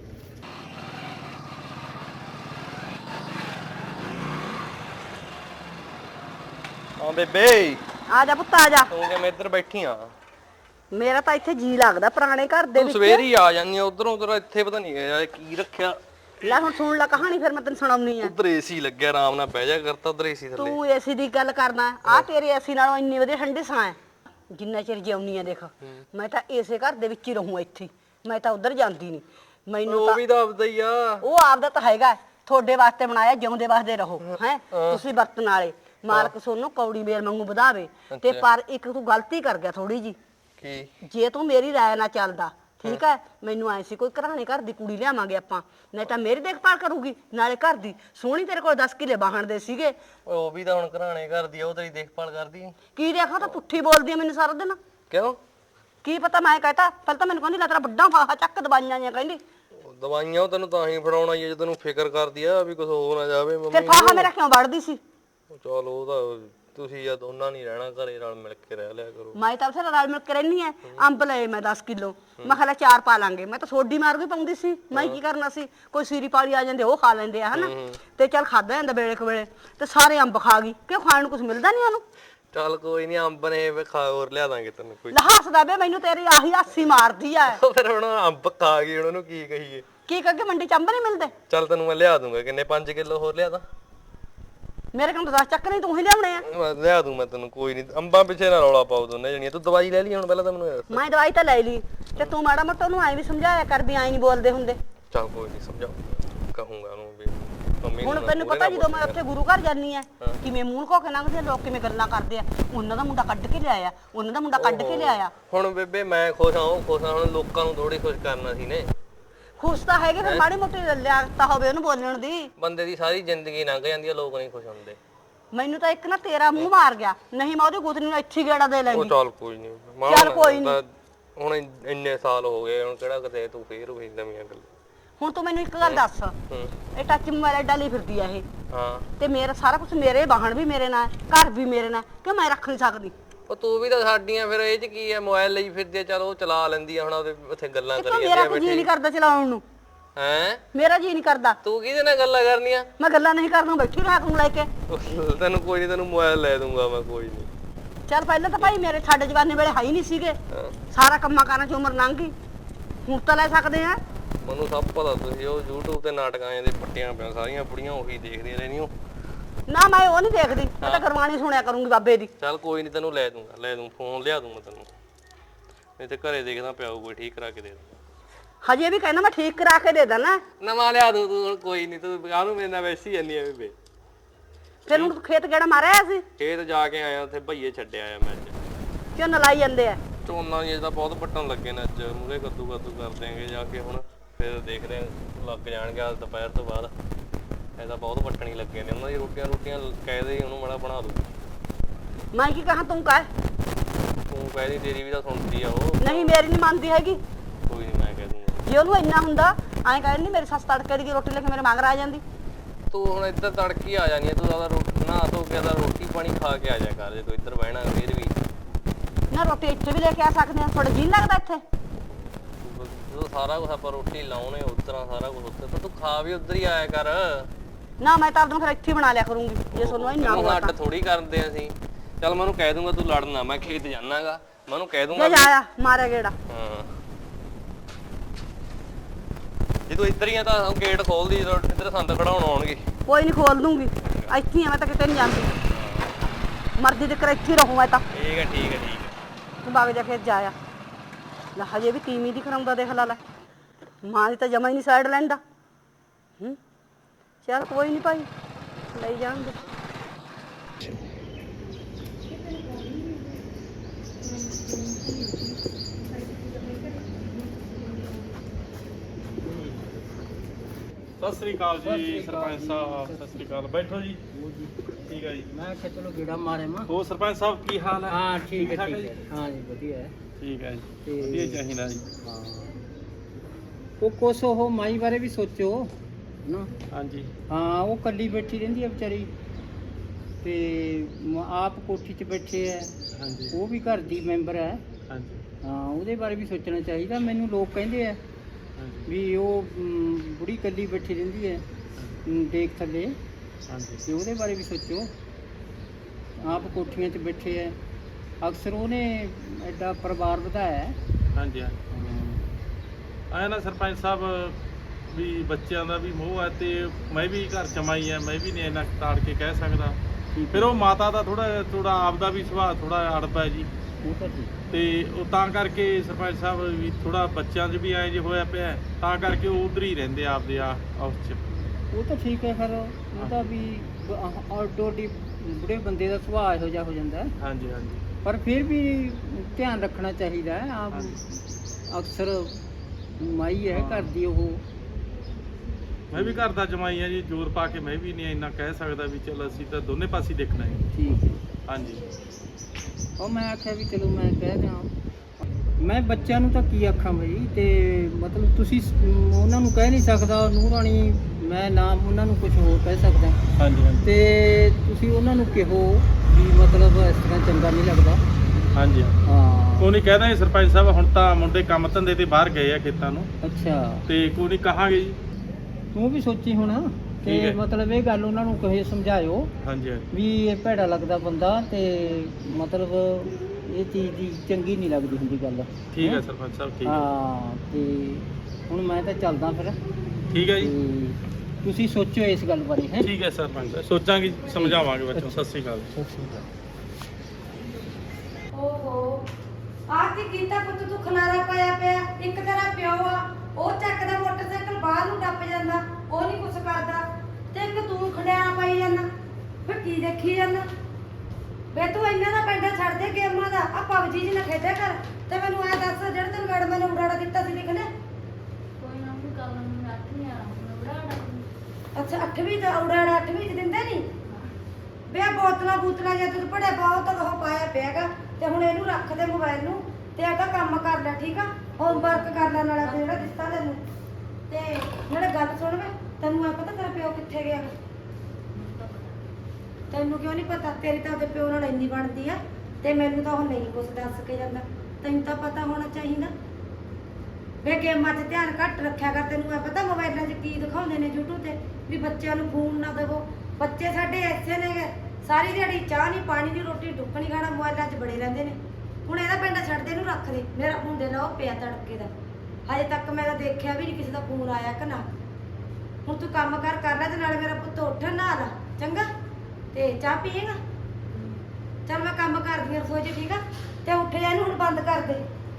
ਹਾਂ ਬੇਬੇ,
ਆ ਜਾ ਪੁੱਤ ਆ ਜਾ।
ਤੂੰ ਕਿਵੇਂ ਇੱਧਰ ਬੈਠੀ ਆ?
ਮੇਰਾ ਤਾਂ ਇੱਥੇ ਜੀ ਲੱਗਦਾ ਪੁਰਾਣੇ ਘਰ ਦੇ
ਤੂੰ
ਵਿੱਚ।
ਸਵੇਰੇ ਹੀ ਆ ਜਾਂਦੀ ਆ ਉਧਰੋਂ, ਤੇਰਾ ਇੱਥੇ ਪਤਾ ਨਹੀਂ ਯਾਰ ਕੀ ਰੱਖਿਆ।
ਲੈ ਹੁਣ ਸੁਣ ਲੈ ਕਹਾਣੀ, ਫਿਰ ਮੈਂ ਤੈਨੂੰ ਸੁਣਾਉਣੀ ਆ।
ਉਧਰ ਏਸੀ ਲੱਗਿਆ, ਆਰਾਮ ਨਾਲ ਬਹਿ ਜਾ ਕਰਤਾ ਉਧਰ ਏਸੀ ਥੱਲੇ।
ਤੂੰ ਏਸੀ ਦੀ ਗੱਲ ਕਰਨਾ, ਆ ਤੇਰੇ ਏਸੀ ਨਾਲੋਂ ਇੰਨੀ ਵਧੀਆ ਠੰਡੀ ਸਾਂ ਹੈ। ਜਿੰਨਾ ਚਿਰ ਜਿਉਣੀ ਆ ਦੇਖ, ਮੈਂ ਤਾਂ ਏਸੇ ਘਰ ਦੇ ਵਿੱਚ ਹੀ ਰਹੂੰ ਇੱਥੇ। ਮੈਂ ਤਾਂ ਉਧਰ ਜਾਂਦੀ ਨਹੀਂ। ਮੈਨੂੰ
ਉਹ
ਤਾਂ
ਵੀ ਤਾਂ ਆਪਦਾ ਹੀ ਆ।
ਉਹ ਆਪਦਾ ਤਾਂ ਹੈਗਾ, ਤੁਹਾਡੇ ਵਾਸਤੇ ਬਣਾਇਆ, ਜਿਉਂਦੇ ਵਾਸਤੇ ਰਹੋ ਹੈ। ਤੁਸੀਂ ਵਰਤਣ ਵਾਲੇ, ਮਾਲਕ ਸੋਨੂੰ ਕੌੜੀ ਮੇਰ ਵਾਂਗੂ ਵਧਾਵੇ। ਤੇ ਪਰ ਇੱਕ ਤੂੰ ਗਲਤੀ ਕਰ ਗਿਆ ਥੋੜੀ ਜੀ।
ਕੀ?
ਜੇ ਤੂੰ ਮੇਰੀ ਰਾਏ ਨਾਲ ਚੱਲਦਾ, ਠੀਕ ਹੈ, ਮੈਨੂੰ ਐ ਸੀ ਕੋਈ ਘਰਾਣੇ ਘਰ ਦੀ ਕੁੜੀ ਲਿਆਵਾਂਗੇ ਆਪਾਂ, ਨਹੀਂ ਤਾਂ ਮੇਰੀ ਦੇਖਭਾਲ ਕਰੂਗੀ, ਨਾਲੇ ਘਰ ਦੀ ਸੋਹਣੀ। ਤੇਰੇ ਕੋਲ 10 ਕਿੱਲੇ ਵਾਹਣ ਦੇ ਸੀਗੇ।
ਉਹ ਵੀ ਤਾਂ ਹੁਣ ਘਰਾਣੇ ਕਰਦੀ ਆ, ਉਹ ਤੇਰੀ ਦੇਖਭਾਲ ਕਰਦੀ।
ਕੀ ਦੇਖਾ ਤਾਂ ਪੁੱਠੀ ਬੋਲਦੀ ਆ ਮੈਨੂੰ ਸਾਰਾ ਦਿਨ।
ਕਿਉਂ?
ਕੀ ਪਤਾ, ਮੈਂ ਕਹਤਾ ਪਹਿਲਾਂ ਤਾਂ ਮੈਨੂੰ ਕਹਿੰਦੀ ਲੈ ਤੇਰਾ ਵੱਡਾ ਫਾਹਾ ਚੱਕ ਦਵਾਈਆਂ ਜਾਂ ਕਹਿੰਦੀ।
ਦਵਾਈਆਂ ਉਹ ਤੈਨੂੰ ਤਾਂ ਹੀ ਫੜਾਉਣਾ ਹੀ ਆ ਜੇ ਤੈਨੂੰ ਫਿਕਰ ਕਰਦੀ ਆ ਵੀ ਕੁਝ ਹੋ ਨਾ ਜਾਵੇ
ਤੇ
ਮੰਮੀ।
ਫਾਹਾ ਮੇਰਾ ਕਿਉਂ ਵੜਦੀ ਸੀ?
ਚਲ ਉਹ ਤਾਂ ਤੁਸੀਂ ਜਾਂ ਦੋਨਾਂ ਨਹੀਂ ਰਹਿਣਾ, ਘਰੇ ਰਲ ਮਿਲ ਕੇ ਰਹਿ ਲਿਆ ਕਰੋ।
ਮੈਂ ਤਾਂ ਫਿਰ ਰਲ ਮਿਲ ਕੇ ਰਹਿਨੀ ਐ। ਅੰਬ ਲਏ ਮੈਂ 10 ਕਿਲੋ, ਮੈਂ ਕਿਹਾ ਲੈ 4 ਪਾ ਲਾਂਗੇ। ਮੈਂ ਤਾਂ ਸੋਡੀ ਮਾਰ ਵੀ ਪਾਉਂਦੀ ਸੀ, ਮੈਂ ਕੀ ਕਰਨਾ ਸੀ। ਕੋਈ ਸੀਰੀ ਪਾਲੀ ਆ ਜਾਂਦੇ ਉਹ ਖਾ ਲੈਂਦੇ ਆ ਹਨਾ, ਤੇ ਚੱਲ ਖਾਦਾ ਜਾਂਦਾ ਵੇਲੇ ਕੁ ਵੇਲੇ। ਤੇ ਸਾਰੇ ਅੰਬ ਖਾ ਗਈ, ਕਿਉਂ ਖਾਣ ਨੂੰ ਕੁਝ ਮਿਲਦਾ ਨਹੀਂ ਉਹਨੂੰ।
ਚੱਲ ਕੋਈ ਨਹੀਂ, ਅੰਬ ਨੇ ਖਾ ਹੋਰ ਲਿਆ ਦਾਂਗੇ ਤੈਨੂੰ ਕੋਈ।
ਹੱਸਦਾ ਵੇ ਮੈਨੂੰ, ਤੇਰੀ ਆਹੀ ਹਾਸੀ ਮਾਰਦੀ ਐ।
ਫਿਰ ਹੁਣ ਅੰਬ ਖਾ ਗਈ, ਉਹਨਾਂ ਨੂੰ ਕੀ ਕਹੀਏ।
ਕੀ ਕਹਗੇ, ਮੰਡੀ ਚ ਅੰਬ ਨਹੀਂ ਮਿਲਦੇ?
ਚੱਲ ਤੈਨੂੰ ਮੈਂ ਲਿਆ ਦੂੰਗਾ। ਕਿੰਨੇ 5 ਕਿਲੋ ਹੋਰ ਲਿਆ ਦਾਂ?
ਮੇਰੇ ਕੋਲ ਤਾਂ 10 ਚੱਕ ਨਹੀਂ, ਤੂੰ ਹੀ ਲਿਆਉਣੇ ਆ।
ਮੈਂ ਲਿਆ ਦੂੰ ਮੈਂ ਤੈਨੂੰ, ਕੋਈ ਨਹੀਂ। ਅੰਬਾਂ ਪਿੱਛੇ ਨਾ ਰੌਲਾ ਪਾਓ ਦੋਨੇ ਜਣੀਆਂ। ਤੂੰ ਦਵਾਈ ਲੈ ਲਈ ਹੁਣ ਪਹਿਲਾਂ ਤਾਂ ਮੈਨੂੰ ਇਹ ਦੱਸ।
ਮੈਂ ਦਵਾਈ ਤਾਂ ਲੈ ਲਈ, ਤੇ ਤੂੰ ਮਾੜਾ ਮੋਟਾ ਉਹਨੂੰ ਐਂ ਵੀ ਸਮਝਾਇਆ ਕਰ ਵੀ ਐਂ ਨਹੀਂ ਬੋਲਦੇ ਹੁੰਦੇ।
ਚੱਲ ਕੋਈ ਨਹੀਂ, ਸਮਝਾਓ, ਕਹੂੰਗਾ ਉਹਨੂੰ ਵੀ ਮੰਮੀ
ਹੁਣ
ਨੂੰ
ਤੈਨੂੰ
ਪੂਰੇ
ਪਤਾ
ਨਾ
ਜਦੋਂ ਮੈਂ
ਪੁੱਛ
ਉੱਥੇ ਗੁਰੂ ਘਰ ਜਾਂਦੀ ਆ ਕਿਵੇਂ ਮੂੰਹ ਖੋ ਕੇ ਲੰਘਦੇ ਆ ਲੋਕ, ਕਿਵੇਂ ਗੱਲਾਂ ਕਰਦੇ ਆ। ਉਹਨਾਂ ਦਾ ਮੁੰਡਾ ਕੱਢ ਕੇ ਲਿਆਇਆ, ਉਹਨਾਂ ਦਾ ਮੁੰਡਾ ਕੱਢ ਕੇ ਲਿਆਇਆ।
ਹੁਣ ਬੇਬੇ ਮੈਂ ਖੁਸ਼ ਹਾਂ, ਉਹ ਖੁਸ਼ ਹਾਂ, ਹੁਣ ਲੋਕਾਂ ਨੂੰ ਥੋੜੀ ਖੁਸ਼ ਕਰਨਾ ਸੀ ਨੇ।
ਖੁਸ਼ ਤਾਂ ਹੈਗੇ, ਫਿਰ ਮਾੜੀ ਮੋਟੀ ਲਿਆਕਤ ਹੋਵੇ ਉਹਨੂੰ ਬੋਲਣ ਦੀ।
ਬੰਦੇ ਦੀ ਸਾਰੀ ਜ਼ਿੰਦਗੀ ਲੰਘ ਜਾਂਦੀ ਆ, ਲੋਕ ਨਹੀਂ ਖੁਸ਼ ਹੁੰਦੇ।
ਮੈਨੂੰ ਤਾਂ ਇੱਕ ਨਾ ਤੇਰਾ ਮੂੰਹ ਮਾਰ ਗਿਆ, ਨਹੀਂ ਮੈਂ ਉਹਦੀ ਗੁੱਤਨੀ ਨੂੰ ਇੱਥੇ ਗੇੜਾ ਦੇ
ਉਹ
ਲੈਂਦੀ।
ਚੱਲ ਕੋਈ ਨਹੀਂ,
ਚੱਲ ਕੋਈ ਨੀ।
ਹੁਣ ਇੰਨੇ ਸਾਲ ਹੋ ਗਏ, ਹੁਣ ਕਿਹੜਾ ਕਿਤੇ ਤੂੰ ਫੇਰ ਉਹੀ ਨਵੀਆਂ ਗੱਲਾਂ।
ਹੁਣ ਤੂੰ ਮੈਨੂੰ ਇੱਕ ਗੱਲ ਦੱਸ, ਇਹ ਟੱਚ ਮੋਬਾਈਲ ਐਡਾ ਲਈ ਫਿਰਦੀ ਆ ਇਹ,
ਹਾਂ
ਤੇ ਮੇਰਾ ਸਾਰਾ ਕੁਝ ਮੇਰੇ, ਵਾਹਣ ਵੀ ਮੇਰੇ ਨਾਲ, ਘਰ ਵੀ ਮੇਰੇ ਨਾਲ, ਕਿਉਂ ਮੈਂ ਰੱਖ ਨਹੀਂ ਸਕਦੀ?
ਉਹ ਤੂੰ ਵੀ ਤਾਂ ਸਾਡੀਆਂ, ਫਿਰ ਇਹ ਚ ਕੀ ਆ, ਮੋਬਾਈਲ ਲਈ ਫਿਰਦੀ ਆ, ਚਲ ਉਹ ਚਲਾ ਲੈਂਦੀ ਆ, ਹੁਣ ਉਹਦੇ ਉੱਥੇ ਗੱਲਾਂ
ਕਿਉਂ
ਕਰੀ
ਮੇਰਾ
ਜਾਂਦੀ ਆ
ਜੀ ਨਹੀਂ ਕਰਦਾ ਚਲਾਉਣ ਨੂੰ,
ਹੈਂ?
ਮੇਰਾ ਜੀ ਨਹੀਂ ਕਰਦਾ।
ਤੂੰ ਕਿਹਦੇ ਨਾਲ ਗੱਲਾਂ ਕਰਨੀਆਂ?
ਮੈਂ ਗੱਲਾਂ ਨਹੀਂ ਕਰਦਾ, ਬੈਠੀ ਰਹਾ ਕਰੂੰ ਲੈ ਕੇ।
ਤੈਨੂੰ ਕੋਈ ਨਹੀਂ, ਤੈਨੂੰ ਮੋਬਾਈਲ ਲੈ ਦੂੰਗਾ ਮੈਂ, ਕੋਈ ਨਹੀਂ।
ਚੱਲ ਪਹਿਲਾਂ ਤਾਂ ਭਾਈ ਮੇਰੇ ਸਾਡੇ ਜਵਾਨੇ ਵੇਲੇ ਹੈ ਹੀ ਨਹੀਂ ਸੀਗੇ, ਸਾਰਾ ਕੰਮਾਂ ਕਾਰਾਂ 'ਚ ਉਮਰ ਲੰਘ ਗਈ, ਹੁਣ ਤਾਂ ਲੈ ਸਕਦੇ ਆ।
ਮੈਨੂੰ ਸਭ ਪਤਾ, ਤੁਸੀਂ ਉਹ YouTube ਤੇ ਨਾਟਕਾਂ ਦੇ ਪੱਟੀਆਂ ਪਿਆ, ਸਾਰੀਆਂ ਬੁੜੀਆਂ ਉਹੀ ਦੇਖਦੀਆਂ ਰਹਿੰਦੀਆਂ।
ਨਾ ਮੈਂ ਉਹ ਨਹੀਂ ਦੇਖਦੀ, ਮੈਂ ਤਾਂ ਗੁਰਬਾਣੀ ਸੁਣਿਆ ਕਰੂੰਗੀ ਬਾਬੇ ਦੀ।
ਚੱਲ ਕੋਈ ਨਹੀਂ, ਤੈਨੂੰ ਲੈ ਦੂੰਗਾ, ਲੈ ਦੂੰ, ਫੋਨ ਲਿਆ ਦੂੰਗਾ ਤੈਨੂੰ, ਨਹੀਂ ਤੇ ਘਰੇ ਦੇਖਦਾ ਪਿਆ ਕੋਈ ਠੀਕ ਕਰਾ ਕੇ ਦੇ ਦੂੰਗਾ।
ਹਜੇ ਵੀ ਕਹਿੰਦਾ ਮੈਂ ਠੀਕ ਕਰਾ ਕੇ ਦੇ ਦਾਂ।
ਨਵਾਂ ਲਿਆ ਦੂੰ ਤੂੰ, ਹੁਣ ਕੋਈ ਨਹੀਂ, ਤੂੰ ਕਾਹਨੂੰ ਮੇਰੇ ਨਾਲ ਵੈਸੀ ਜਾਂਦੀ ਆ ਬੇਬੇ।
ਫਿਰ ਹੁਣ ਖੇਤ ਗੇੜਾ ਮਾਰਿਆ ਸੀ,
ਖੇਤ ਜਾ ਕੇ ਆਇਆ, ਉੱਥੇ ਭਈਏ ਛੱਡਿਆ ਆਇਆ ਮੈਂ ਅੱਜ।
ਝੋਨਾ ਲਾਈ ਜਾਂਦੇ ਆ।
ਝੋਨਾ ਜੀ ਤਾਂ ਬਹੁਤ ਪੱਟਣ ਲੱਗੇ ਨੇ ਅੱਜ, ਮੂਰੇ ਕੱਦੂ ਕਰ ਦੇਂਗੇ ਜਾ ਕੇ, ਹੁਣ ਫਿਰ ਦੇਖਦੇ ਲੱਗ ਜਾਣਗੇ ਅੱਜ ਦੁਪਹਿਰ ਤੋਂ ਬਾਅਦ। ਇਹ ਤਾਂ ਬਹੁਤ ਪੱਟਣੀ ਲੱਗੇ ਨੇ, ਉਹਨਾਂ ਦੀ ਰੋਟੀਆਂ ਕਹਿ ਦੇ ਉਹਨੂੰ ਮਾੜਾ ਬਣਾ ਦੂ।
ਮੈਂ ਕੀ ਕਹਾਂ, ਤੂੰ ਕਹਿ।
ਤੂੰ ਕਹਿ ਦੀ, ਤੇਰੀ ਵੀ ਤਾਂ ਸੁਣਦੀ ਆ ਉਹ।
ਨਹੀਂ ਮੇਰੀ ਨਹੀਂ ਮੰਨਦੀ ਹੈਗੀ।
ਕੋਈ ਨਹੀਂ, ਮੈਂ ਕਹਿ ਦੂੰਗਾ।
ਜੇ ਉਹਨੂੰ ਇੰਨਾ ਹੁੰਦਾ ਐਂ ਕਹਿੰਦੀ ਮੇਰੀ ਸੱਸ ਤੜਕੇ ਦੀ ਰੋਟੀ ਲੈ ਕੇ ਮੇਰੇ ਮਗਰ ਆ ਜਾਂਦੀ।
ਤੂੰ ਹੁਣ ਇੱਧਰ ਤੜਕੀ ਆ ਜਾਣੀ, ਤੂੰ ਜ਼ਿਆਦਾ ਨਹਾ ਧੋ ਕੇ ਰੋਟੀ ਪਾਣੀ ਖਾ ਕੇ ਆ ਜਾ ਕਰ, ਜੇ ਤੂੰ ਇੱਧਰ ਬਹਿਣਾ ਫਿਰ ਵੀ।
ਨਾ ਰੋਟੀ ਇੱਥੇ ਵੀ ਲੈ ਕੇ ਆ ਸਕਦੇ ਆ, ਤੁਹਾਡਾ ਜੀ ਲੱਗਦਾ ਇੱਥੇ?
ਜਦੋਂ ਸਾਰਾ ਕੁਝ ਆਪਾਂ ਰੋਟੀ ਲਾਉਣੇ ਉਤਰਾਂ, ਸਾਰਾ ਕੁਝ ਉੱਧਰ, ਤਾਂ ਤੂੰ ਖਾ ਵੀ ਉੱਧਰ ਹੀ ਆਇਆ ਕਰ।
ਨਾ ਮੈਂ ਤਾਂ ਆਪਣਾ ਫਿਰ ਇੱਥੇ ਬਣਾ ਲਿਆ ਕਰੂੰਗੀ ਜੇ ਤੁਹਾਨੂੰ ਇੰਨਾ ਹੋਇਆ
ਅੱਡ ਥੋੜੀ ਕਰਦੇ ਅਸੀਂ। ਚੱਲ ਮੈਨੂੰ ਕਹਿ ਦੂੰਗਾ, ਤੂੰ ਲੜਨਾ, ਮੈਂ ਖੇਤ ਜਾਣਾਗਾ, ਮੈਂ ਉਹਨੂੰ ਕਹਿ ਦੂੰਗਾ।
ਜੇ ਆਇਆ ਮਾਰਿਆ ਗੇੜਾ।
ਹਾਂ ਜੇ ਤੂੰ ਇੱਧਰ ਹੀ ਆ ਤਾਂ ਗੇਟ ਖੋਲ ਦੀ, ਜਦੋਂ ਇੱਧਰ ਸੰਦ ਖੜਾਉਣ ਆਉਣਗੇ।
ਕੋਈ ਨਹੀਂ ਖੋਲ ਦੂੰਗੀ, ਇੱਥੇ ਹੀ ਆ ਮੈਂ ਤਾਂ ਕਿਤੇ ਨਹੀਂ ਜਾਂਦੀ, ਮਰਜ਼ੀ ਦੇ ਕਰ ਇੱਥੇ ਹੀ ਰਹੂੰ ਮੈਂ ਤਾਂ।
ਠੀਕ ਹੈ ਠੀਕ ਹੈ ਠੀਕ ਹੈ।
ਤੂੰ ਬਾਗ ਜਾ ਕੇ ਜਾਇਆ ਲੈ, ਹਜੇ ਵੀ ਤੀਵੀਂ ਦੀ ਖਰਾਉਂਦਾ ਦੇਖ ਲਾ ਲੈ, ਮਾਂ ਦੀ ਤਾਂ ਜਮਾ ਹੀ ਨਹੀਂ ਸਾਈਡ ਲੈਂਦਾ। ਚੱਲ ਕੋਈ ਨਹੀਂ ਭਾਈ, ਲਈ ਜਾਣਗੇ।
ਸਤਿ ਸ੍ਰੀ ਅਕਾਲ ਜੀ ਸਰਪੰਚ ਸਾਹਿਬ, ਸਤਿ ਸ੍ਰੀ ਅਕਾਲ, ਬੈਠੋ ਜੀ। ਠੀਕ ਹੈ ਜੀ,
ਮੈਂ ਕਿਹਾ ਚਲੋ ਗੇੜਾ ਮਾਰੇ ਮਾਂ।
ਹੋਰ ਸਰਪੰਚ ਸਾਹਿਬ ਕੀ ਹਾਲ ਹੈ?
ਹਾਂ ਠੀਕ ਹੈ
ਠਾਕ
ਠੀਕ ਹੈ, ਹਾਂ ਜੀ ਵਧੀਆ ਹੈ।
ਠੀਕ ਹੈ ਜੀ,
ਤੇ-
ਵਧੀਆ ਚਾਹੀਦਾ ਜੀ।
ਹਾਂ ਉਹ ਕੁਛ ਉਹ ਮਾਈ ਬਾਰੇ ਵੀ ਸੋਚੋ ਨਾ।
ਹਾਂਜੀ
ਹਾਂ ਉਹ ਕੱਲੀ ਬੈਠੀ ਰਹਿੰਦੀ ਹੈ ਵਿਚਾਰੀ, ਤੇ ਆਪ ਕੋਠੀ 'ਚ ਬੈਠੇ ਹੈ,
ਹਾਂਜੀ
ਉਹ ਵੀ ਘਰ ਦੀ ਮੈਂਬਰ ਹੈ।
ਹਾਂਜੀ
ਹਾਂ ਉਹਦੇ ਬਾਰੇ ਵੀ ਸੋਚਣਾ ਚਾਹੀਦਾ। ਮੈਨੂੰ ਲੋਕ ਕਹਿੰਦੇ ਆ
ਹਾਂਜੀ
ਵੀ ਉਹ ਬੁੜੀ ਕੱਲੀ ਬੈਠੀ ਰਹਿੰਦੀ ਹੈ ਦੇਖ ਥੱਲੇ,
ਹਾਂਜੀ
ਤੇ ਉਹਦੇ ਬਾਰੇ ਵੀ ਸੋਚੋ। ਆਪ ਕੋਠੀਆਂ 'ਚ ਬੈਠੇ ਹੈ, ਅਕਸਰ ਉਹਨੇ ਐਡਾ ਪਰਿਵਾਰ ਵਧਾਇਆ ਹੈ।
ਹਾਂਜੀ ਆਇਆ ਨਾ ਸਰਪੰਚ ਸਾਹਿਬ ਵੀ ਬੱਚਿਆਂ ਦਾ ਵੀ ਮੋਹ ਹੈ, ਤੇ ਮੈਂ ਵੀ ਘਰ ਜਮਾਈ ਹੈ, ਮੈਂ ਵੀ ਨਹੀਂ ਇੰਨਾ ਤਾੜ ਕੇ ਕਹਿ ਸਕਦਾ। ਫਿਰ ਉਹ ਮਾਤਾ ਦਾ ਥੋੜਾ ਆਪਦਾ ਵੀ ਸੁਭਾਅ ਥੋੜਾ ਅੜਬ ਹੈ ਜੀ,
ਉਹ ਤਾਂ ਠੀਕ।
ਤੇ ਉਹ ਤਾਂ ਕਰਕੇ ਸਰਪੰਚ ਸਾਹਿਬ ਵੀ ਥੋੜਾ ਬੱਚਿਆਂ 'ਚ ਵੀ ਐਂ ਜੇ ਹੋਇਆ ਪਿਆ, ਤਾਂ ਕਰਕੇ ਉਹ ਉਧਰ ਹੀ ਰਹਿੰਦੇ ਆਪਦੇ ਹਾਊਸ 'ਚ।
ਉਹ ਤਾਂ ਠੀਕ ਹੈ, ਫਿਰ ਉਹਦਾ ਵੀ ਆਊਟਡੋਰ ਬੁੜੇ ਬੰਦੇ ਦਾ ਸੁਭਾਅ ਇਹੋ ਜਿਹਾ ਹੋ ਜਾਂਦਾ ਹੈ।
ਹਾਂਜੀ ਹਾਂਜੀ
ਪਰ ਫਿਰ ਵੀ ਧਿਆਨ ਰੱਖਣਾ ਚਾਹੀਦਾ ਹੈ। ਆਪ ਅਕਸਰ ਮਾਈ ਹੈ ਘਰ ਦੀ, ਉਹ
ਮੈਂ ਵੀ ਘਰ ਦਾ ਜਮਾਈ ਆ ਜੀ, ਜ਼ੋਰ ਪਾ ਕੇ ਮੈਂ ਵੀ ਨਹੀਂ ਇੰਨਾ ਕਹਿ ਸਕਦਾ ਵੀ ਚਲ ਅਸੀਂ ਤਾਂ ਦੋਨੇ ਪਾਸੇ ਦੇਖਣਾ ਹੈ।
ਠੀਕ ਹੈ।
ਹਾਂਜੀ
ਉਹ ਮੈਂ ਆਖਿਆ ਵੀ ਚਲੋ ਮੈਂ ਕਹਿ ਦਿਆਂ, ਮੈਂ ਬੱਚਿਆਂ ਨੂੰ ਤਾਂ ਕੀ ਆਖਾਂ ਬਈ, ਤੇ ਮਤਲਬ ਤੁਸੀਂ ਉਹਨਾਂ ਨੂੰ ਕਹਿ ਨਹੀਂ ਸਕਦਾ ਨੂੰਹ ਰਾਣੀ, ਮੈਂ ਨਾਮ ਉਹਨਾਂ ਨੂੰ ਕੁਝ ਹੋਰ ਕਹਿ ਸਕਦਾ।
ਹਾਂਜੀ ਹਾਂਜੀ
ਤੇ ਤੁਸੀਂ ਉਹਨਾਂ ਨੂੰ ਕਿਹੋ ਵੀ ਮਤਲਬ ਇਸ ਤਰ੍ਹਾਂ ਚੰਗਾ ਨਹੀਂ ਲੱਗਦਾ।
ਹਾਂਜੀ
ਹਾਂ
ਕੋਈ ਨਹੀਂ ਕਹਿਦਾ ਜੀ ਸਰਪੰਚ ਸਾਹਿਬ, ਹੁਣ ਤਾਂ ਮੁੰਡੇ ਕੰਮ ਧੰਦੇ ਤੇ ਬਾਹਰ ਗਏ ਆ ਖੇਤਾਂ ਨੂੰ,
ਅੱਛਾ,
ਤੇ ਕੋਈ ਨਹੀਂ ਕਹਾਂਗੇ ਜੀ।
ਤੂੰ ਵੀ ਸੋਚੀ ਹੁਣ,
ਠੀਕ
ਤੇ
ਹੈ।
ਮਤਲਬ ਇਹ ਗੱਲ ਉਹਨਾਂ ਨੂੰ ਕਹੇ, ਸਮਝਾਇਓ
ਹਾਂਜੀ ਹਾਂਜੀ
ਵੀ ਇਹ ਭੈੜਾ ਲੱਗਦਾ ਬੰਦਾ, ਤੇ ਮਤਲਬ ਇਹ ਚੀਜ਼ ਦੀ ਚੰਗੀ ਨਹੀਂ ਲੱਗਦੀ ਹੁੰਦੀ ਗੱਲ।
ਠੀਕ ਹੈ
ਹੈਂ?
ਸਰਪੰਚ ਸਾਹਿਬ, ਠੀਕ ਹੈ
ਹਾਂ ਤੇ ਹੁਣ ਮੈਂ ਤਾਂ ਚੱਲਦਾ ਫਿਰ,
ਠੀਕ ਹੈ ਜੀ,
ਤੇ ਤੁਸੀਂ ਸੋਚੋ ਇਸ ਗੱਲ ਬਾਰੇ। ਹੈ
ਠੀਕ ਹੈ ਸਰਪੰਚ ਸਾਹਿਬ, ਸੋਚਾਂਗੇ ਸਮਝਾਵਾਂਗੇ ਬੱਚੋਂ। ਸਤਿ ਸ੍ਰੀ ਅਕਾਲ।
ਓਹੋ ਆਹ ਕੀ ਕੀਤਾ ਪੁੱਤ, ਤੂੰ ਖਲਾਰਾ ਪਾਇਆ ਪਿਆ। ਇੱਕ ਤੇਰਾ ਪਿਓ ਆ, ਉਹ ਚੱਕਦਾ ਮੋਟਰਸਾਈਕਲ ਬਾਹਰ ਨੂੰ ਟੱਪ ਜਾਂਦਾ, ਉਹ ਨਹੀਂ ਕੁਛ ਕਰਦਾ। ਤੇ ਇੱਕ ਤੂੰ ਖੜਿਆ ਪਾਈ ਜਾਂਦਾ ਫਿਰ ਕੀ ਦੇਖੀ ਜਾਂਦਾ ਵੇ ਤੂੰ ਇਹਨਾਂ ਦਾ ਪੈਂਡਾ ਛੱਡ ਦੇ ਗੇਮਾਂ ਦਾ ਆ ਪਬਜੀ ਜੀ ਨਾ ਖੇਡਿਆ ਕਰ ਤੇ ਮੈਨੂੰ ਐ ਦੱਸ ਜਿਹੜੇ ਤੈਨੂੰ ਮੈਡਮ ਨੇ ਉਡਾੜਾ ਦਿੱਤਾ ਸੀ ਲਿਖਣੇ
ਕੋਈ ਨਾ ਕੋਈ ਗੱਲ ਨਹੀਂ ਰੱਖ ਨਹੀਂ ਆ ਬੜਾ
ਅੱਛਾ 8ਵੀਂ ਦਾ ਉਡਾੜਾ 8ਵੀਂ ਚ ਦਿੰਦੇ ਨਹੀਂ ਵੇ ਆਹ ਬੋਤਲਾਂ ਜੇ ਤੂੰ ਪੜਿਆ ਬਹੁਤ ਉਹ ਪਾਇਆ ਪਿਆਗਾ ਤੇ ਹੁਣ ਇਹਨੂੰ ਰੱਖ ਦੇ ਮੋਬਾਈਲ ਨੂੰ ਤੇ ਆਪਦਾ ਕੰਮ ਕਰ ਲੈ ਠੀਕ ਆ ਹੋਮਵਰਕ ਕਰ ਲੈ ਨਾਲੇ ਜਿਹੜਾ ਦਿੱਤਾ ਤੈਨੂੰ ਤੇ ਨਾਲੇ ਗੱਲ ਸੁਣ ਵੇ ਤੈਨੂੰ ਆ ਪਤਾ ਤੇਰਾ ਪਿਓ ਕਿੱਥੇ ਗਿਆ ਤੈਨੂੰ ਕਿਉਂ ਨਹੀਂ ਪਤਾ ਤੇਰੀ ਤਾਂ ਉਹਦੇ ਪਿਓ ਨਾਲ ਇੰਨੀ ਬਣਦੀ ਆ ਤੇ ਮੈਨੂੰ ਤਾਂ ਉਹ ਨਹੀਂ ਕੁਛ ਦੱਸ ਕੇ ਜਾਂਦਾ ਤੈਨੂੰ ਤਾਂ ਪਤਾ ਹੋਣਾ ਚਾਹੀਦਾ ਵੇ ਗੇਮਾਂ 'ਚ ਧਿਆਨ ਘੱਟ ਰੱਖਿਆ ਕਰ ਤੈਨੂੰ ਆ ਪਤਾ ਮੋਬਾਈਲਾਂ 'ਚ ਕੀ ਦਿਖਾਉਂਦੇ ਨੇ YouTube ਤੇ ਵੀ ਬੱਚਿਆਂ ਨੂੰ ਫੋਨ ਨਾ ਦੇਵੋ ਬੱਚੇ ਸਾਡੇ ਐਸੇ ਨੇਗੇ ਸਾਰੀ ਦਿਹਾੜੀ ਚਾਹ ਨਹੀਂ ਪਾਣੀ ਨਹੀਂ ਰੋਟੀ ਟੁੱਕ ਨਹੀਂ ਖਾਣਾ ਮੋਬਾਈਲਾਂ 'ਚ ਬੜੇ ਰਹਿੰਦੇ ਨੇ ਹੁਣ ਇਹਦਾ ਪਿੰਡ ਛੱਡ ਦੇ ਇਹਨੂੰ ਰੱਖ ਦੇ ਮੇਰਾ ਮੁੰਡੇ ਨਾਲ ਉਹ ਪਿਆ ਤੜਕੇ ਦਾ ਹਜੇ ਤੱਕ ਮੈਂ ਤਾਂ ਦੇਖਿਆ ਵੀ ਨਹੀਂ ਕਿਸੇ ਦਾ ਫੋਨ ਆਇਆ ਕਿ ਨਾ ਹੁਣ ਤੂੰ ਕੰਮ ਕਰ ਲੈ ਤੇ ਨਾਲੇ ਮੇਰਾ ਪੁੱਤ ਉੱਠ ਨਹਾ ਲਾ ਚੰਗਾ ਤੇ ਚਾਹ ਪੀਏਗਾ ਚੱਲ ਮੈਂ ਕੰਮ ਕਰਦੀ ਹਾਂ ਰਸੋਈ 'ਚ ਠੀਕ ਆ ਤੇ ਉੱਠ ਜਾ ਇਹਨੂੰ ਹੁਣ ਬੰਦ ਕਰ ਦੇ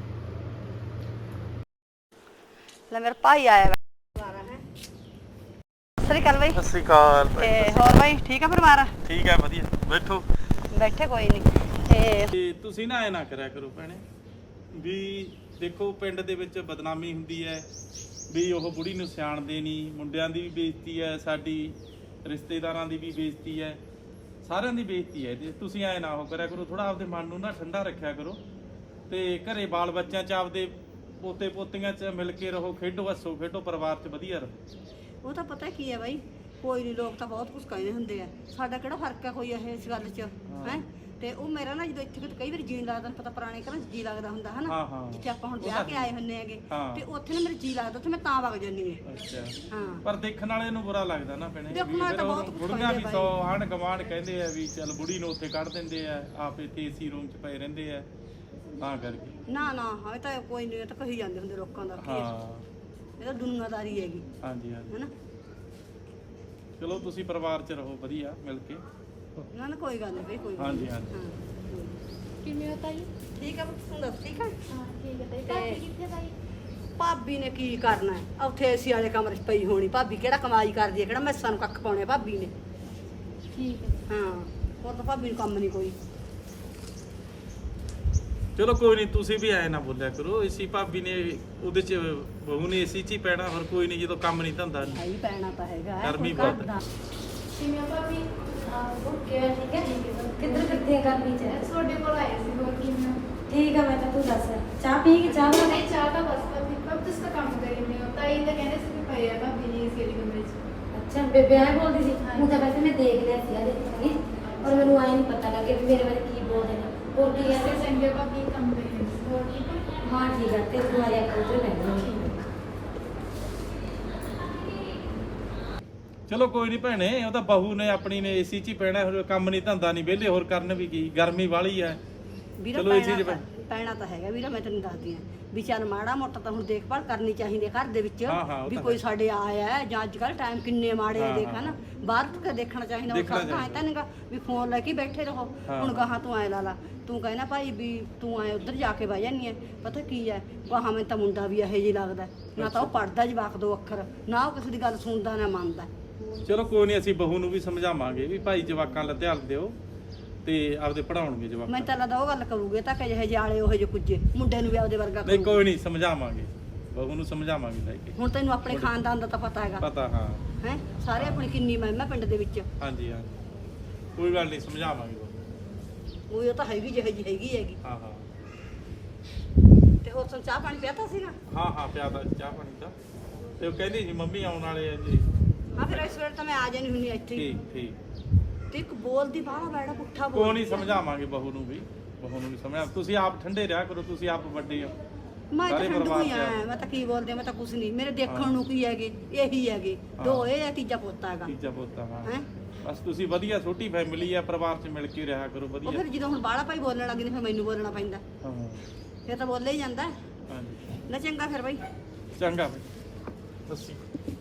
ਲੈ ਮੇਰਾ ਭਾਈ ਆਇਆ ਦੁਬਾਰਾ ਹੈ ਸਤਿ ਸ੍ਰੀ ਅਕਾਲ ਬਾਈ
ਸਤਿ ਸ੍ਰੀ ਅਕਾਲ
ਤੇ ਹੋਰ ਬਾਈ ਠੀਕ ਆ ਪਰਿਵਾਰ
ਠੀਕ ਹੈ ਵਧੀਆ ਬੈਠੋ
ਬੈਠੇ ਕੋਈ ਨਹੀਂ ਤੇ
ਤੇ ਤੁਸੀਂ ਨਾ ਐ ਨਾ ਕਰਿਆ ਕਰੋ ਭੈਣੇ ਵੀ ਦੇਖੋ ਪਿੰਡ ਦੇ ਵਿੱਚ ਬਦਨਾਮੀ ਹੁੰਦੀ ਹੈ ਵੀ ਉਹ ਬੁੜੀ ਨੂੰ ਸਿਆਣਦੇ ਨਹੀਂ ਮੁੰਡਿਆਂ ਦੀ ਵੀ ਬੇਇੱਜ਼ਤੀ ਹੈ ਸਾਡੀ ਰਿਸ਼ਤੇਦਾਰਾਂ ਦੀ ਵੀ ਬੇਇੱਜ਼ਤੀ ਹੈ ਸਾਰਿਆਂ ਦੀ ਬੇਇੱਜ਼ਤੀ ਹੈ ਤੇ ਤੁਸੀਂ ਐ ਨਾ ਉਹ ਕਰਿਆ ਕਰੋ ਥੋੜਾ ਆਪਦੇ ਮਨ ਨੂੰ ਨਾ ਠੰਡਾ ਰੱਖਿਆ ਕਰੋ ਤੇ ਘਰੇ ਬਾਲ ਬੱਚਿਆਂ 'ਚ ਆਪਦੇ ਪੋਤੇ ਪੋਤੀਆਂ 'ਚ ਮਿਲ ਕੇ ਰਹੋ ਖੇਡੋ ਹੱਸੋ ਖੇਡੋ ਪਰਿਵਾਰ 'ਚ ਵਧੀਆ ਰਹੋ
ਉਹ ਤਾਂ ਪਤਾ ਕੀ ਹੈ ਬਾਈ ਕੋਈ ਨਹੀਂ ਲੋਕ ਤਾਂ ਬਹੁਤ ਕੁਝ ਕਹਿੰਦੇ ਹੁੰਦੇ ਆ ਸਾਡਾ ਕਿਹੜਾ ਫਰਕ ਹੈ ਕੋਈ ਇਸ ਗੱਲ 'ਚ ਹੈ ਤੇ ਉਹ ਮੇਰਾ ਨਾ ਜਦੋਂ ਇੱਥੇ ਕਈ ਵਾਰੀ ਜੀਣ ਲੱਗਦਾ ਪਤਾ ਪੁਰਾਣੇ ਘਰਾਂ 'ਚ ਜੀ ਲੱਗਦਾ ਹੁੰਦਾ ਹਨਾ
ਹਾਂ ਹਾਂ
ਜਿੱਥੇ ਆਪਾਂ ਹੁਣ ਵਿਆਹ ਕੇ ਆਏ ਹੁੰਨੇ ਹੈਗੇ
ਹਾਂ।
ਤੇ ਉੱਥੇ ਨਾ ਮੇਰੇ ਜੀ ਲੱਗਦਾ ਉੱਥੇ ਮੈਂ ਤਾਂ ਵਗ ਜਾਂਦੀ ਹਾਂ
ਅੱਛਾ
ਹਾਂ
ਪਰ ਦੇਖਣ ਵਾਲੇ ਨੂੰ ਬੁਰਾ ਲੱਗਦਾ ਨਾ ਭੈਣੇ
ਦੇਖਣ ਵਾਲੇ ਤਾਂ ਬਹੁਤ ਕੁਛ
ਬੁੜੀਆਂ ਵੀ
ਕਹਿੰਦੇ
100 ਆਂਢ ਗੁਆਂਢ ਕਹਿੰਦੇ ਆ ਵੀ ਚੱਲ ਬੁੜੀ ਨੂੰ ਉੱਥੇ ਕੱਢ ਦਿੰਦੇ ਆ ਆਪ ਇੱਥੇ ਏਸੀ ਰੂਮ 'ਚ ਪਏ ਰਹਿੰਦੇ ਆ ਤਾਂ ਕਰਕੇ
ਨਾ ਹਾਂ ਇਹ ਤਾਂ ਕੋਈ ਨਹੀਂ ਇਹ ਤਾਂ ਕਹੀ ਜਾਂਦੇ ਹੁੰਦੇ ਲੋਕਾਂ ਦਾ ਕੀ ਹੈ।
ਹਾਂ
ਇਹ ਤਾਂ ਦੁਨੀਆਦਾਰੀ ਹੈਗੀ
ਹਾਂਜੀ ਹਾਂਜੀ
ਹੈਨਾ
ਚਲੋ ਤੁਸੀਂ ਪਰਿਵਾਰ 'ਚ ਰਹੋ ਵਧੀਆ ਮਿਲ ਕੇ
ਨਾ ਨਾ ਕੋਈ ਗੱਲ ਨਹੀਂ ਬਈ ਕੋਈ ਗੱਲ
ਹਾਂਜੀ
ਨੀ।
ਹਾਂਜੀ
ਹਾਂ
ਕਿਵੇਂ ਹੋ ਤਾਈ
ਠੀਕ ਆ ਤੂੰ ਦੱਸ ਠੀਕ ਆ
ਹਾਂ ਠੀਕ ਹੈ ਤਾਈ
ਤੇ-
ਭਾਬੀ ਕਿੱਥੇ ਤਾਈ
ਭਾਬੀ ਨੇ ਕੀ ਕਰਨਾ ਹੈ ਉੱਥੇ ਏਸੀ ਵਾਲੇ ਕਮਰੇ 'ਚ ਪਈ ਹੋਣੀ ਭਾਬੀ ਕਿਹੜਾ ਕਮਾਈ ਕਰਦੀ ਹੈ ਕਿਹੜਾ ਮੈਸਾਂ ਨੂੰ ਕੱਖ ਪਾਉਣੇ ਭਾਬੀ ਨੇ
ਠੀਕ ਹੈ
ਹਾਂ ਹੋਰ ਤਾਂ ਭਾਬੀ ਨੂੰ ਕੰਮ ਨਹੀਂ ਕੋਈ
ਚਲੋ ਕੋਈ ਨਹੀਂ ਤੁਸੀਂ ਵੀ ਐ ਨਾ ਬੋਲਿਆ ਕਰੋ ਏਸੀ ਭਾਬੀ ਨੇ ਉਹਦੇ 'ਚ ਬਹੂ ਨੇ ਏਸੀ 'ਚ ਹੀ ਪੈਣਾ ਹੋਰ ਕੋਈ ਨਹੀਂ ਜਦੋਂ ਕੰਮ ਨਹੀਂ ਧੰਦਾ ਨਹੀਂ
ਭਾਈ ਪੈਣਾ ਤਾਂ ਹੈਗਾ
ਗਰਮੀ
ਕੋਈ ਘਰ
ਬਹੁਤ
ਦਾ।
ਕਿਵੇਂ ਹੋ ਭਾਬੀ
ਓਕੇ ਠੀਕ ਹੈ ਕਿੱਧਰ ਕਿੱਥੇ ਕਰਨੀ ਚਾਹੀਦੀ
ਤੁਹਾਡੇ ਕੋਲ ਆਏ ਸੀ ਹੋਰ ਕਿਵੇਂ ਹੋ
ਠੀਕ ਆ ਮੈਂ ਤਾਂ ਤੂੰ ਦੱਸ ਚਾਹ ਪੀਏਗੀ ਚਾਹ ਬਣਾ
ਨਹੀਂ ਚਾਹ ਤਾਂ ਬਸ ਭਾਬੀ ਤੁਸੀਂ ਤਾਂ ਕੰਮ ਕਰੀ ਨਹੀਂ ਹੋ ਤਾਈ ਤਾਂ ਕਹਿੰਦੇ ਸੀ ਵੀ ਪਈ ਆ ਭਾਬੀ ਜੀ ਇਸ ਕਮਰੇ 'ਚ
ਅੱਛਾ ਬੇਬੇ ਐ ਬੋਲਦੀ ਸੀ ਉਹ ਤਾਂ ਵੈਸੇ ਮੈਂ ਦੇਖ ਲਿਆ ਸੀ ਆ ਦੇਖਾਂਗੀ ਔਰ ਮੈਨੂੰ ਆਏ ਨਹੀਂ ਪਤਾ ਲੱਗਿਆ ਵੀ ਮੇਰੇ ਬਾਰੇ ਕੀ ਬੋਲਦੇ ਨੇ ਹੋਰ ਕੀ
ਇਸੇ
ਹੈ
ਚੰਗੇ ਭਾਬੀ ਕੰਮ ਕਰੀ ਨਹੀਂ ਸੀ ਹੋਰ ਠੀਕ ਹੈ
ਹਾਂ ਠੀਕ ਹੈ ਤੇ ਤੂੰ ਆ ਜਾ ਕੇ ਉਧਰ ਬੈਠ
ਚਲੋ ਕੋਈ ਨਹੀਂ ਭੈਣੇ ਉਹ ਤਾਂ ਬਹੂ ਨੇ ਆਪਣੀ ਨੇ ਏਸੀ 'ਚ ਹੀ ਪੈਣਾ ਹੋਰ ਕੰਮ ਨਹੀਂ ਧੰਦਾ ਨਹੀਂ ਵਿਹਲੇ ਹੋਰ ਕਰਨ ਵੀ ਕੀ ਗਰਮੀ ਵਾਲੀ ਹੈ
ਵੀਰਾ
ਚਲੋ ਏਸੀ 'ਚ
ਪੈਣਾ ਤਾਂ ਹੈਗਾ ਵੀਰਾ ਮੈਂ ਤੈਨੂੰ ਦੱਸਦੀ ਆ ਵੀ ਚੱਲ ਮਾੜਾ ਮੋਟਾ ਤਾਂ ਹੁਣ ਦੇਖਭਾਲ ਕਰਨੀ ਚਾਹੀਦੀ ਹੈ ਘਰ ਦੇ ਵਿੱਚ
ਹਾਂ, ਹਾਂ, ਉਹ
ਵੀ
ਤਾਂ
ਕੋਈ
ਹੈ।
ਸਾਡੇ ਆਇਆ ਹੈ ਜਾਂ ਅੱਜ ਕੱਲ ਟਾਈਮ ਕਿੰਨੇ ਮਾੜੇ ਆ
ਹਾਂ,
ਦੇਖ
ਹਾਂ।
ਹਨਾ ਬਾਹਰ ਤੱਕ ਦੇਖਣਾ ਚਾਹੀਦਾ ਉਹ
ਦੇਖਣਾ
ਸਭ ਤਾਂ ਐ ਤਾਂ ਨਹੀਂਗਾ ਵੀ ਫੋਨ ਲੈ ਕੇ ਬੈਠੇ ਰਹੋ
ਹਾਂ,
ਹੁਣ
ਹਾਂ।
ਗਾਹਾਂ ਤੂੰ ਐ ਲਾ ਲਾ ਤੂੰ ਕਹਿਣਾ ਭਾਈ ਵੀ ਤੂੰ ਐ ਉੱਧਰ ਜਾ ਕੇ ਬਹਿ ਜਾਨੀ ਐ ਪਤਾ ਕੀ ਐ ਗਾਹਾਂ ਮੈਨੂੰ ਤਾਂ ਮੁੰਡਾ ਵੀ ਇਹੋ ਜਿਹਾ ਲੱਗਦਾ ਨਾ ਤਾਂ ਉਹ ਪੜਦਾ ਜਵਾਕ ਦੋ ਅੱਖਰ ਨਾ ਉਹ ਕਿਸੇ ਦੀ ਗੱਲ ਸੁਣਦਾ ਨਾ ਮੰਨਦਾ
ਚਲੋ ਕੋਈ ਨਹੀਂ ਅਸੀਂ ਬਹੂ ਨੂੰ ਵੀ ਸਮਝਾਵਾਂਗੇ ਵੀ ਭਾਈ ਜਵਾਕਾਂ ਦਾ ਧਿਆਨ ਦਿਓ ਤੇ ਆਪਦੇ ਪੜਾਉਣਗੇ ਜਵਾਕ
ਮੈਂ ਤਾਂ ਲੱਗਦਾ ਉਹ ਗੱਲ ਕਰੂਗੇ ਤਾਂ ਕਿ ਜਿਹੇ ਜਾਲੇ ਉਹ ਜਿਹੇ ਕੁੱਜੇ ਮੁੰਡੇ ਨੂੰ ਵੀ ਆਪਦੇ ਵਰਗਾ
ਨਹੀਂ
ਕਰੂਗੇ
ਕੋਈ ਨਹੀਂ ਸਮਝਾਵਾਂਗੇ ਬਹੂ ਨੂੰ ਸਮਝਾਵਾਂਗੇ ਲੈ ਕੇ
ਹੁਣ ਤੈਨੂੰ ਆਪਣੇ ਖਾਨਦਾਨ ਦਾ ਤਾਂ ਪਤਾ ਹੈਗਾ
ਪਤਾ ਹਾਂ
ਹੈ ਸਾਰੇ ਆਪਣੀ ਕਿੰਨੀ ਮਹਿਮਾ ਪਿੰਡ ਦੇ ਵਿੱਚ
ਹਾਂਜੀ ਹਾਂਜੀ ਕੋਈ ਗੱਲ ਨਹੀਂ ਸਮਝਾਵਾਂਗੇ ਬਹੂ
ਉਹ ਤਾਂ ਹੈਗੀ ਜਿਹੇ ਜੀ ਹੈਗੀ
ਹਾਂ ਹਾਂ
ਤੇ ਹੋਰ ਤੁਹਾਨੂੰ ਚਾਹ ਪਾਣੀ ਪਿਆਤਾ ਸੀ ਨਾ
ਹਾਂ ਹਾਂ ਪਿਆਦਾ ਚਾਹ ਪਾਣੀ ਦਾ ਤੇ ਉਹ ਕਹਿੰਦੀ ਸੀ ਮੰਮੀ ਆਉਣ ਵਾਲੇ ਆ ਜੀ
ਹਾਂ ਫਿਰ ਇਸ ਵੇਲੇ ਤਾਂ ਮੈਂ ਆ ਜਾਣੀ ਹੁੰਨੀ ਇੱਥੇ ਹੀ।
ਠੀਕ ਠੀਕ
ਤੇ ਇੱਕ ਬੋਲਦੀ ਬਾਹਲਾ ਬੈੜਾ ਪੁੱਠਾ
ਕੋਈ
ਬੋਲ
ਨਹੀਂ ਸਮਝਾਵਾਂਗੇ ਬਹੂ ਨੂੰ ਵੀ ਸਮਝਾ ਤੁਸੀਂ ਆਪ ਠੰਡੇ ਰਿਹਾ ਕਰੋ ਤੁਸੀਂ ਆਪ ਵੱਡੇ ਹੋ
ਮੈਂ ਤਾਂ
ਸਾਰੇ
ਠੰਡੂ
ਪਰਿਵਾਰ
ਹੀ
ਚ
ਆ ਮੈਂ ਤਾਂ ਕੀ ਬੋਲਦੇ ਆ, ਮੈਂ ਤਾਂ ਕੁਛ ਨਹੀਂ ਮੇਰੇ
ਹਾਂ।
ਦੇਖਣ ਨੂੰ ਕੀ ਹੈਗੇ ਇਹੀ ਹੈਗੇ ਦੋ
ਹਾਂ।
ਇਹ ਆ ਤੀਜਾ ਪੋਤਾ ਹੈਗਾ
ਤੀਜਾ ਪੋਤਾ ਹਾਂ
ਹੈ
ਬਸ ਤੁਸੀਂ ਵਧੀਆ ਛੋਟੀ ਫੈਮਿਲੀ ਆ ਪਰਿਵਾਰ 'ਚ ਮਿਲ ਕੇ ਰਿਹਾ ਕਰੋ
ਉਹ
ਵਧੀਆ
ਫਿਰ ਜਦੋਂ ਹੁਣ ਬਾਹਲਾ ਭਾਈ ਬੋਲਣ ਲੱਗ ਗਏ ਫਿਰ ਮੈਨੂੰ ਬੋਲਣਾ ਪੈਂਦਾ
ਹਾਂ
ਫਿਰ ਤਾਂ ਬੋਲੇ ਹੀ ਜਾਂਦਾ
ਹਾਂਜੀ
ਨਾ ਚੰਗਾ ਫਿਰ ਬਾਈ
ਚੰਗਾ ਬਈ ਸਤਿ ਸ਼੍ਰੀ ਅਕਾਲ